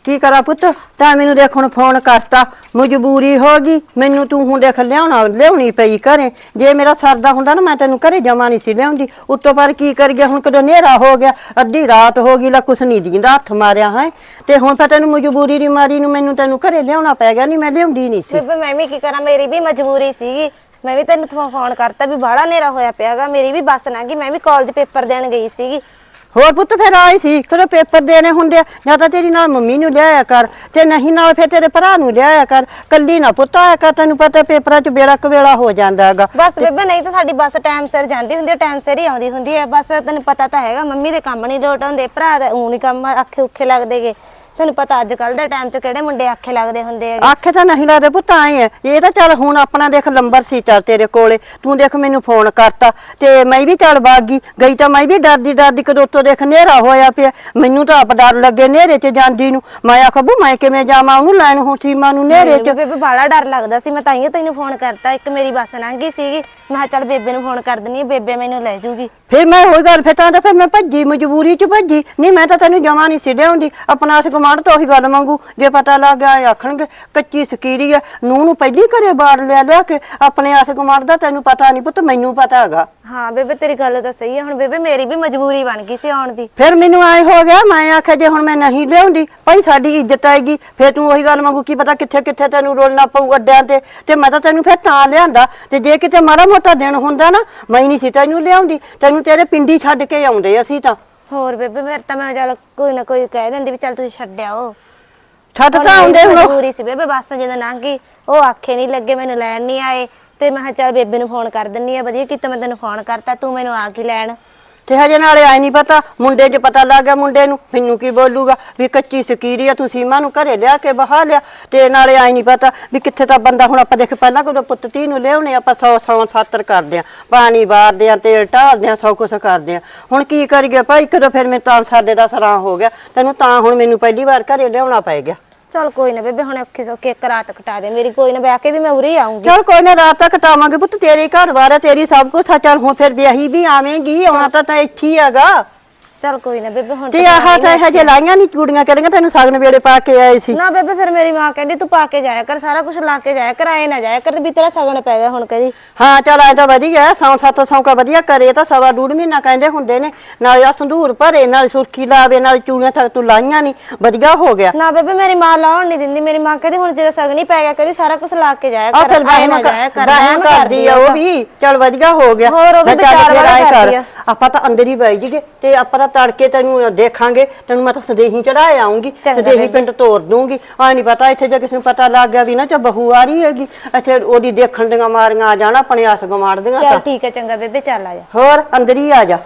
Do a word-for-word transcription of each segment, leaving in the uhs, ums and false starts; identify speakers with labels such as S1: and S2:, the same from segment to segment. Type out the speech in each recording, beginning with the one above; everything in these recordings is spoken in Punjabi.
S1: की करा पुत ता मैनू देख हुण फोन करता मजबूरी होगी मैनू तू हुण देख लियाउणा लियाउणी पई घरे जे मेरा सरदा हुंदा ना मैं तैनू घरे जमा नहीं सी लियाउंदी उत्तों पर की कर गया हुण कदों नेरा हो गया अद्धी रात हो गई ला कुछ नहीं दींदा हथ मारिया है ते हुण फिर तैनू मजबूरी दी मारी नू मैनू तैनू घरे लियाउणा पै गया नहीं मैं लियाउंदी नहीं सी
S2: बेबे मैं भी की करा मेरी भी मजबूरी सीगी मैं भी तेन फोन करता भी बाड़ा नेरा होया पियागा मेरी भी बस ना गई मैं भी कॉलेज पेपर देन गई सीगी
S1: होर पुत फिर आई सी कदों पेपर देने हुंदे या तां तेरी नाल मम्मी नू लियाया कर ते नहीं नाल फिर तेरे भरा नू लियाया कर कल्ली ना पुत आया कर तैनू पता पेपरां च बेड़ा कवेला हो जांदा हैगा
S2: बस बेबे नहीं तो साडी बस टाइम सिर जांदी हुंदी टाइम सिर ही आउंदी हुंदी है बस तैनू पता तां हैगा मम्मी दे काम नहीं लोट हुंदे भरा दा ऊं नहीं काम आखे उखे लगदेगे तेन पता अजकल दे टाइम च किहड़े मुंडे आखे लगदे हुंदे है
S1: आखे तां नहीं लगदे पुत आए है ये तां चल हुण अपना देख नंबर सी चल तेरे कोले तू देख मैनू फोन करता ते मैं भी चल बागी गई तां मैं भी डरदी डरदी कदों तो देख नेरा होया पिया मैनू तां आप डर लगे नेरे च जांदी नू मैं आखां बू मैं किवें जावां ओनू लैण हुण सीमा नू नेरे च
S2: बेबे बाला डर लगदा सी मैं ताइयों तैनू फोन करता एक मेरी बस लंघ गई सीगी मैं चल बेबे नू फोन कर दनी बेबे मैनू ले जूगी
S1: फिर मैं होई गल फिर तां फिर मैं भज्जी मजबूरी च भज्जी नहीं मैं तां तैनू जमा नहीं सी लियाउंदी अपना अस गमांड तो ओही गल मंगू जे पता लग गया आखणगे कच्ची सकीरी है नूह नू पहली घरे बाड़ लिया लिया के अपने आस गमांड दा तैनू पता नहीं पुत मैनू पता हैगा
S2: हाँ बेबे तेरी गल तो सही है हुण बेबे मेरी भी मजबूरी बन गई सी आउण दी
S1: फिर मैनू आए हो गया मैं आख्या जे हुण मैं नहीं लियाउंदी भाई साडी इज्जत आएगी फिर तू ओही गल मंगू की पता कित्थे कित्थे तैनू रोलना पऊ अड्डियां ते ते मैं तां तैनू फिर तां लिआंदा ते जे किते माड़ा मोटा दिन हुंदा ना मैं नहीं सी तैनू लियाउंदी तैनू तेरे पिंडी छड्ड के आउंदे असीं तां
S2: होर बेबे मेरे तां मैं चल कोई ना कोई कह दिंदी भी चल तुसीं छड्ड आओ
S1: छड्ड तां आउंदे हुण
S2: मजबूरी सी बेबे बस जदों लंघ गई ओ आखे नहीं लगे मैनू लैण नहीं आए ते मैं चल बेबे नू फोन कर दिन्नी आ वधिया कीता मैं तैनू फोन करता तू मैनू आ के लैण
S1: ते हजे नाले आई नहीं पता मुंडे च पता लग गया मुंडे नू मैनू की बोलूगा भी कच्ची सकीरी है तू सीमा नू घरे लिया के बहा लिया ते नाले आई नहीं पता भी कित्थे तां बंदा हुण आपां देख पहलां कदों पुत्त धी नू लियाउणे आपां सौ सौ सातर करदे आ पानी बारदे आ तेल ढालदे आ सब कुछ करदे आ हुण की करिए भाई कदों फिर मैं तां साडे दा सरां हो गया तैनू तां हुण मैनू पहली बार घरे लियाउणा पै गया
S2: चल कोई ना बेबे हुण औखे सौखे एक रात कटा दे मेरी कोई ना ब्याह के भी मैं उरे ही आऊंगी
S1: चल कोई ना रात तक कटावांगे पुत्त तेरे घर बार है तेरी सब कुछ चल हुण फिर ब्याही भी आवेंगी आउणा तां तां इत्थे ही हैगा
S2: चल कोई ना बेबे हुण
S1: ते आह तां हजे लाईयां नहीं चूड़ियां करियां तैनू सगन वेले पा के आए सी
S2: ना बेबे फिर मेरी मां कहदी तू पा के जाया कर सारा कुछ ला के जाया कर आए ना जाया कर भी तेरा सगन पै गया हुण कहदी
S1: हाँ चल आए तां वधिया सौ सत्त सौ का वधिया करे तां सवा डूढ़ महीना कहंदे हुंदे ने नाल आ संधूर भरे नाल सुर्खी लावे नाल चूड़ियां तक तू लाईयां नहीं वधिया हो गया
S2: ना बेबे मेरी मां लाउण नहीं दिंदी मेरी मां कहदी हुण जे सगन ही पै गया कहदी सारा कुछ ला के जाया
S1: आ
S2: कर
S1: फिर
S2: आए ना जाया कर
S1: रहम करदी आ ओ भी चल वधिया हो गया
S2: होर ओ भी विचार वाला करदी आ
S1: ਆਪਾਂ ਤਾਂ ਅੰਦਰ ਹੀ ਬੈਠ ਜੀਗੇ ਤੇ ਆਪਾਂ ਤਾਂ ਤੜਕੇ ਤੈਨੂੰ ਦੇਖਾਂਗੇ ਤੈਨੂੰ ਮੈਂ ਤਾਂ ਸਦੇਹੀ ਚੜਾਏ ਆਉਂਗੀ ਸਦੇਹੀ ਪਿੰਡ ਤੋਰ ਦੂੰਗੀ ਆ ਨਹੀਂ ਪਤਾ ਇੱਥੇ ਜੇ ਕਿਸੇ ਨੂੰ ਪਤਾ ਲੱਗ ਗਿਆ ਵੀ ਨਾ ਚ ਬਹੂ ਆ ਰਹੀ ਹੈਗੀ ਅੱਛਾ ਉਹਦੀ ਦੇਖਣ ਦੀਆਂ ਮਾਰੀਆਂ ਆ ਜਾਣਾ ਆਪਣੇ ਆਸ ਗਮਾੜ ਦੀਆਂ
S2: ਚੱਲ ਠੀਕ ਹੈ ਚੰਗਾ ਬੇਬੇ ਚੱਲ ਆ ਜਾ
S1: ਹੋਰ ਅੰਦਰ ਹੀ ਆ ਜਾ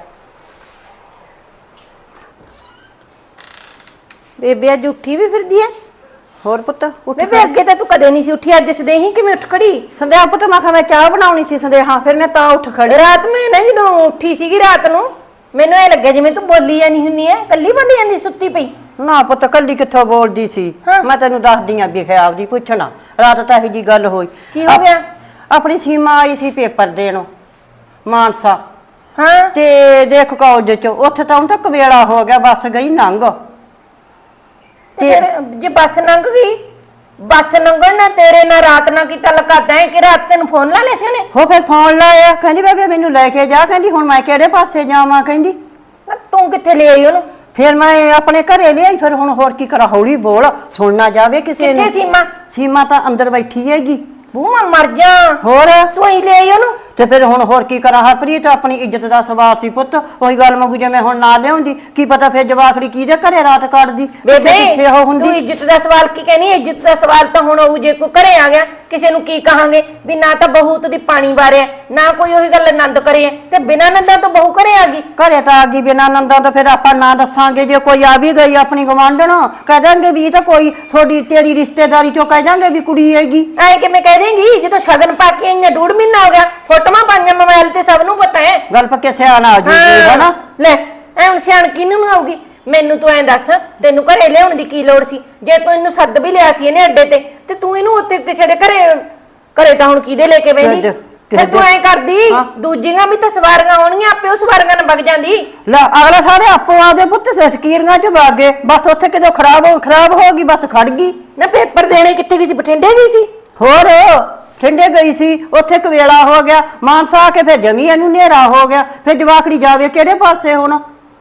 S3: ਬੇਬੇ ਅੱਜ ਉੱਠੀ ਵੀ ਫਿਰਦੀ ਐ
S1: ਹੋਰ ਪੁੱਤ
S3: ਬੇਬੇ ਅੱਗੇ ਤਾਂ ਤੂੰ ਕਦੇ ਨਹੀਂ ਸੀ ਉੱਠੀ ਅੱਜ ਸਦੇਹੀ ਕਿਵੇਂ ਉੱਠ ਖੜੀ
S1: ਸੰਦੇਹਾ ਪੁੱਤ ਮੈਂ ਕਿਹਾ ਮੈਂ ਚਾਹ ਬਣਾਉਣੀ ਸੀ ਸੰਦੇਹਾ ਫਿਰ ਮੈਂ ਤਾਂ ਉੱਠ ਖੜੀ
S3: ਰਾਤ ਮੈਂ ਨਾ ਜਦੋਂ ਉੱਠੀ ਸੀਗੀ ਰਾਤ ਨੂੰ ਮੈਨੂੰ ਇਹ ਲੱਗਿਆ ਜਿਵੇਂ ਤੂੰ ਬੋਲੀ ਜਾਨੀ ਹੁੰਨੀ ਐ ਕੱਲੀ ਬੋਲੀ ਜਾਂਦੀ ਸੁੱਤੀ ਪਈ
S1: ਨਾ ਪੁੱਤ ਕੱਲੀ ਕਿੱਥੋਂ ਬੋਲਦੀ ਸੀ ਮੈਂ ਤੈਨੂੰ ਦੱਸਦੀ ਆਂ ਵੀ ਖਿਆਲ ਦੀ ਪੁੱਛਣਾ ਰਾਤ ਤਾਂ ਇਹੀ ਜੀ ਗੱਲ ਹੋਈ
S3: ਕੀ ਹੋ ਗਿਆ
S1: ਆਪਣੀ ਸੀਮਾ ਆਈ ਸੀ ਪੇਪਰ ਦੇਣ ਮਾਨਸਾ
S3: ਹਾਂ
S1: ਤੇ ਦੇਖ ਕਾਲਜ ਚ ਉੱਥੇ ਤਾਂ ਹੁਣ ਤੱਕ ਵੇਲਾ ਹੋ ਗਿਆ ਬੱਸ ਗਈ ਨੰਗ
S3: ਤੇ ਜੇ ਬੱਸ ਲੰਘ ਗਈ ਬੱਸ ਲੰਘਣ ਨਾ ਤੇਰੇ ਨਾਲ ਰਾਤ ਨਾ ਕੀਤਾ ਲਗਾਦਾ ਹੈ ਕਿ ਰਾਤ ਤੈਨੂੰ ਫੋਨ ਲਾ ਲਿਆ ਸੀ ਉਹਨੇ
S1: ਹੋ ਫਿਰ ਫੋਨ ਲਾਇਆ ਕਹਿੰਦੀ ਬੇਬੇ ਮੈਨੂੰ ਲੈ ਕੇ ਜਾ ਕਹਿੰਦੀ ਹੁਣ ਮੈਂ ਕਿਹੜੇ ਪਾਸੇ ਜਾਵਾਂ ਕਹਿੰਦੀ
S3: ਤੂੰ ਕਿੱਥੇ ਲੈ ਆਈ ਉਹਨੂੰ
S1: ਫਿਰ ਮੈਂ ਆਪਣੇ ਘਰੇ ਲਿਆਈ ਫਿਰ ਹੁਣ ਹੋਰ ਕੀ ਕਰਾਂ ਹੌਲੀ ਬੋਲ ਸੁਣਨਾ ਜਾਵੇ ਕਿਸੇ ਨੂੰ
S3: ਕਿੱਥੇ ਸੀਮਾ
S1: ਸੀਮਾ ਤਾਂ ਅੰਦਰ ਬੈਠੀ ਹੈਗੀ
S3: ਬੂ ਮੈਂ ਮਰ ਜਾ
S1: ਹੋਰ
S3: ਤੂੰ ਹੀ ਲੈ ਆਈ ਉਹਨੂੰ
S1: ਤੇ ਫਿਰ ਹੁਣ ਹੋਰ ਕੀ ਕਰਾਂ ਹਰਪ੍ਰੀਤ ਆਪਣੀ ਇੱਜ਼ਤ ਦਾ ਸਵਾਲ ਸੀ ਪੁੱਤ ਉਹੀ ਗੱਲ ਮੰਗੂ ਜੇ ਮੈਂ ਹੁਣ ਨਾ ਲਿਆਉਂਦੀ ਕੀ ਪਤਾ ਫਿਰ ਜਵਾਖੜੀ ਕਿਹਦੇ ਘਰੇ ਰਾਤ ਕੱਢਦੀ
S3: ਬੇਬੇ
S1: ਕਿੱਥੇ ਉਹ ਹੁੰਦੀ
S3: ਤੂੰ ਇੱਜ਼ਤ ਦਾ ਸਵਾਲ ਕੀ ਕਹਿਨੀ ਇੱਜ਼ਤ ਦਾ ਸਵਾਲ ਤਾਂ ਹੁਣ ਉਹ ਜੇ ਕੋਈ ਘਰੇ ਆ ਗਿਆ ਕਿਸੇ ਨੂੰ ਕੀ ਕਹਾਂਗੇ ਵੀ ਨਾ ਤਾਂ ਬਹੂ ਦੀ ਪਾਣੀ ਵਾਰਿਆ ਨਾ ਕੋਈ ਉਹੀ ਗੱਲ ਆਨੰਦ ਕਰੇ ਤੇ ਬਿਨਾਂ ਨੰਦਾਂ ਤੋਂ ਬਹੂ ਘਰੇ ਆ ਗਈ
S1: ਘਰੇ ਤਾਂ ਆ ਗਈ ਬਿਨਾਂ ਨੰਦਾਂ ਤਾਂ ਫਿਰ ਆਪਾਂ ਨਾ ਦੱਸਾਂਗੇ ਜੇ ਕੋਈ ਆ ਵੀ ਗਈ ਆਪਣੀ ਗਵਾਂਢਣ ਕਹਿ ਦਾਂਗੇ ਵੀ ਇਹ ਤਾਂ ਕੋਈ ਤੁਹਾਡੀ ਤੇਰੀ ਰਿਸ਼ਤੇਦਾਰੀ ਚੋਂ ਕਹਿ ਦਾਂਗੇ ਵੀ ਕੁੜੀ ਹੈਗੀ
S3: ਐ ਕਿਵੇਂ ਕਹਿ ਦੇਂਗੀ ਜਦੋਂ ਸ਼ਗਨ ਪਾ ਕੇ ਆਈਆਂ ਡੂਢ ਮਹੀਨਾ ਹੋ ਗਿਆ ਫੋਟੋਆਂ ਪਾਈਆਂ ਮੋਬਾਈਲ ਤੇ ਸਭ ਨੂੰ ਪਤਾ ਹੈ
S1: ਗੱਲ ਪੱਕੇ ਸਿਆਣਾ ਆ ਜੂਗੀ ਹਨਾ
S3: ਲੈ ਐ ਹੁਣ ਸਿਆਣ ਕਿਹਨੂੰ ਨੂੰ ਆਊਗੀ ਮੈਨੂੰ ਤੂੰ ਐਂ ਦੱਸ ਤੈਨੂੰ ਘਰੇ ਲਿਆਉਣ ਦੀ ਕੀ ਲੋੜ ਸੀ ਜੇ ਤੂੰ ਇਹਨੂੰ ਸੱਦ ਵੀ ਲਿਆ ਸੀ ਇਹਨੇ ਅੱਡੇ ਤੇ ਤੇ ਤੂੰ ਇਹਨੂੰ ਉੱਤੇ ਕਿਸੇ ਦੇ ਘਰੇ ਘਰੇ ਤਾਂ ਹੁਣ ਕਿਹਦੇ ਲੈ ਕੇ ਬੈਠੀ ਫਿਰ ਤੂੰ ਐ ਕਰਦੀ ਦੂਜੀਆਂ ਵੀ ਤਾਂ ਸਵਾਰੀਆਂ ਹੋਣਗੀਆਂ ਆਪੇ ਉਹ ਸਵਾਰੀਆਂ ਨਾਲ ਵਗ ਜਾਂਦੀ।
S1: ਲੈ ਅਗਲੇ ਸਾਰੇ ਆਪੋ ਆਦੇ ਪੁੱਤ ਸਕੀਰੀਆਂ ਚ ਵਗ ਗਏ, ਬਸ ਉੱਥੇ ਕਿਦੋਂ ਖਰਾਬ ਹੋ ਖਰਾਬ ਹੋ ਗਈ, ਬਸ ਖੜ ਗਈ।
S3: ਨਾ ਪੇਪਰ ਦੇਣੇ ਕਿੱਥੇ ਗਈ ਸੀ? ਬਠਿੰਡੇ ਗਈ ਸੀ।
S1: ਹੋਰ ਠੰਡੇ ਗਈ ਸੀ, ਉੱਥੇ ਕਵੇਲਾ ਹੋ ਗਿਆ, ਮਾਨਸਾ ਆ ਕੇ ਫਿਰ ਜਮੀ ਇਹਨੂੰ ਹਨੇਰਾ ਹੋ ਗਿਆ, ਫਿਰ ਜਵਾਕੜੀ ਜਾਵੇ ਕਿਹੜੇ ਪਾਸੇ ਹੁਣ?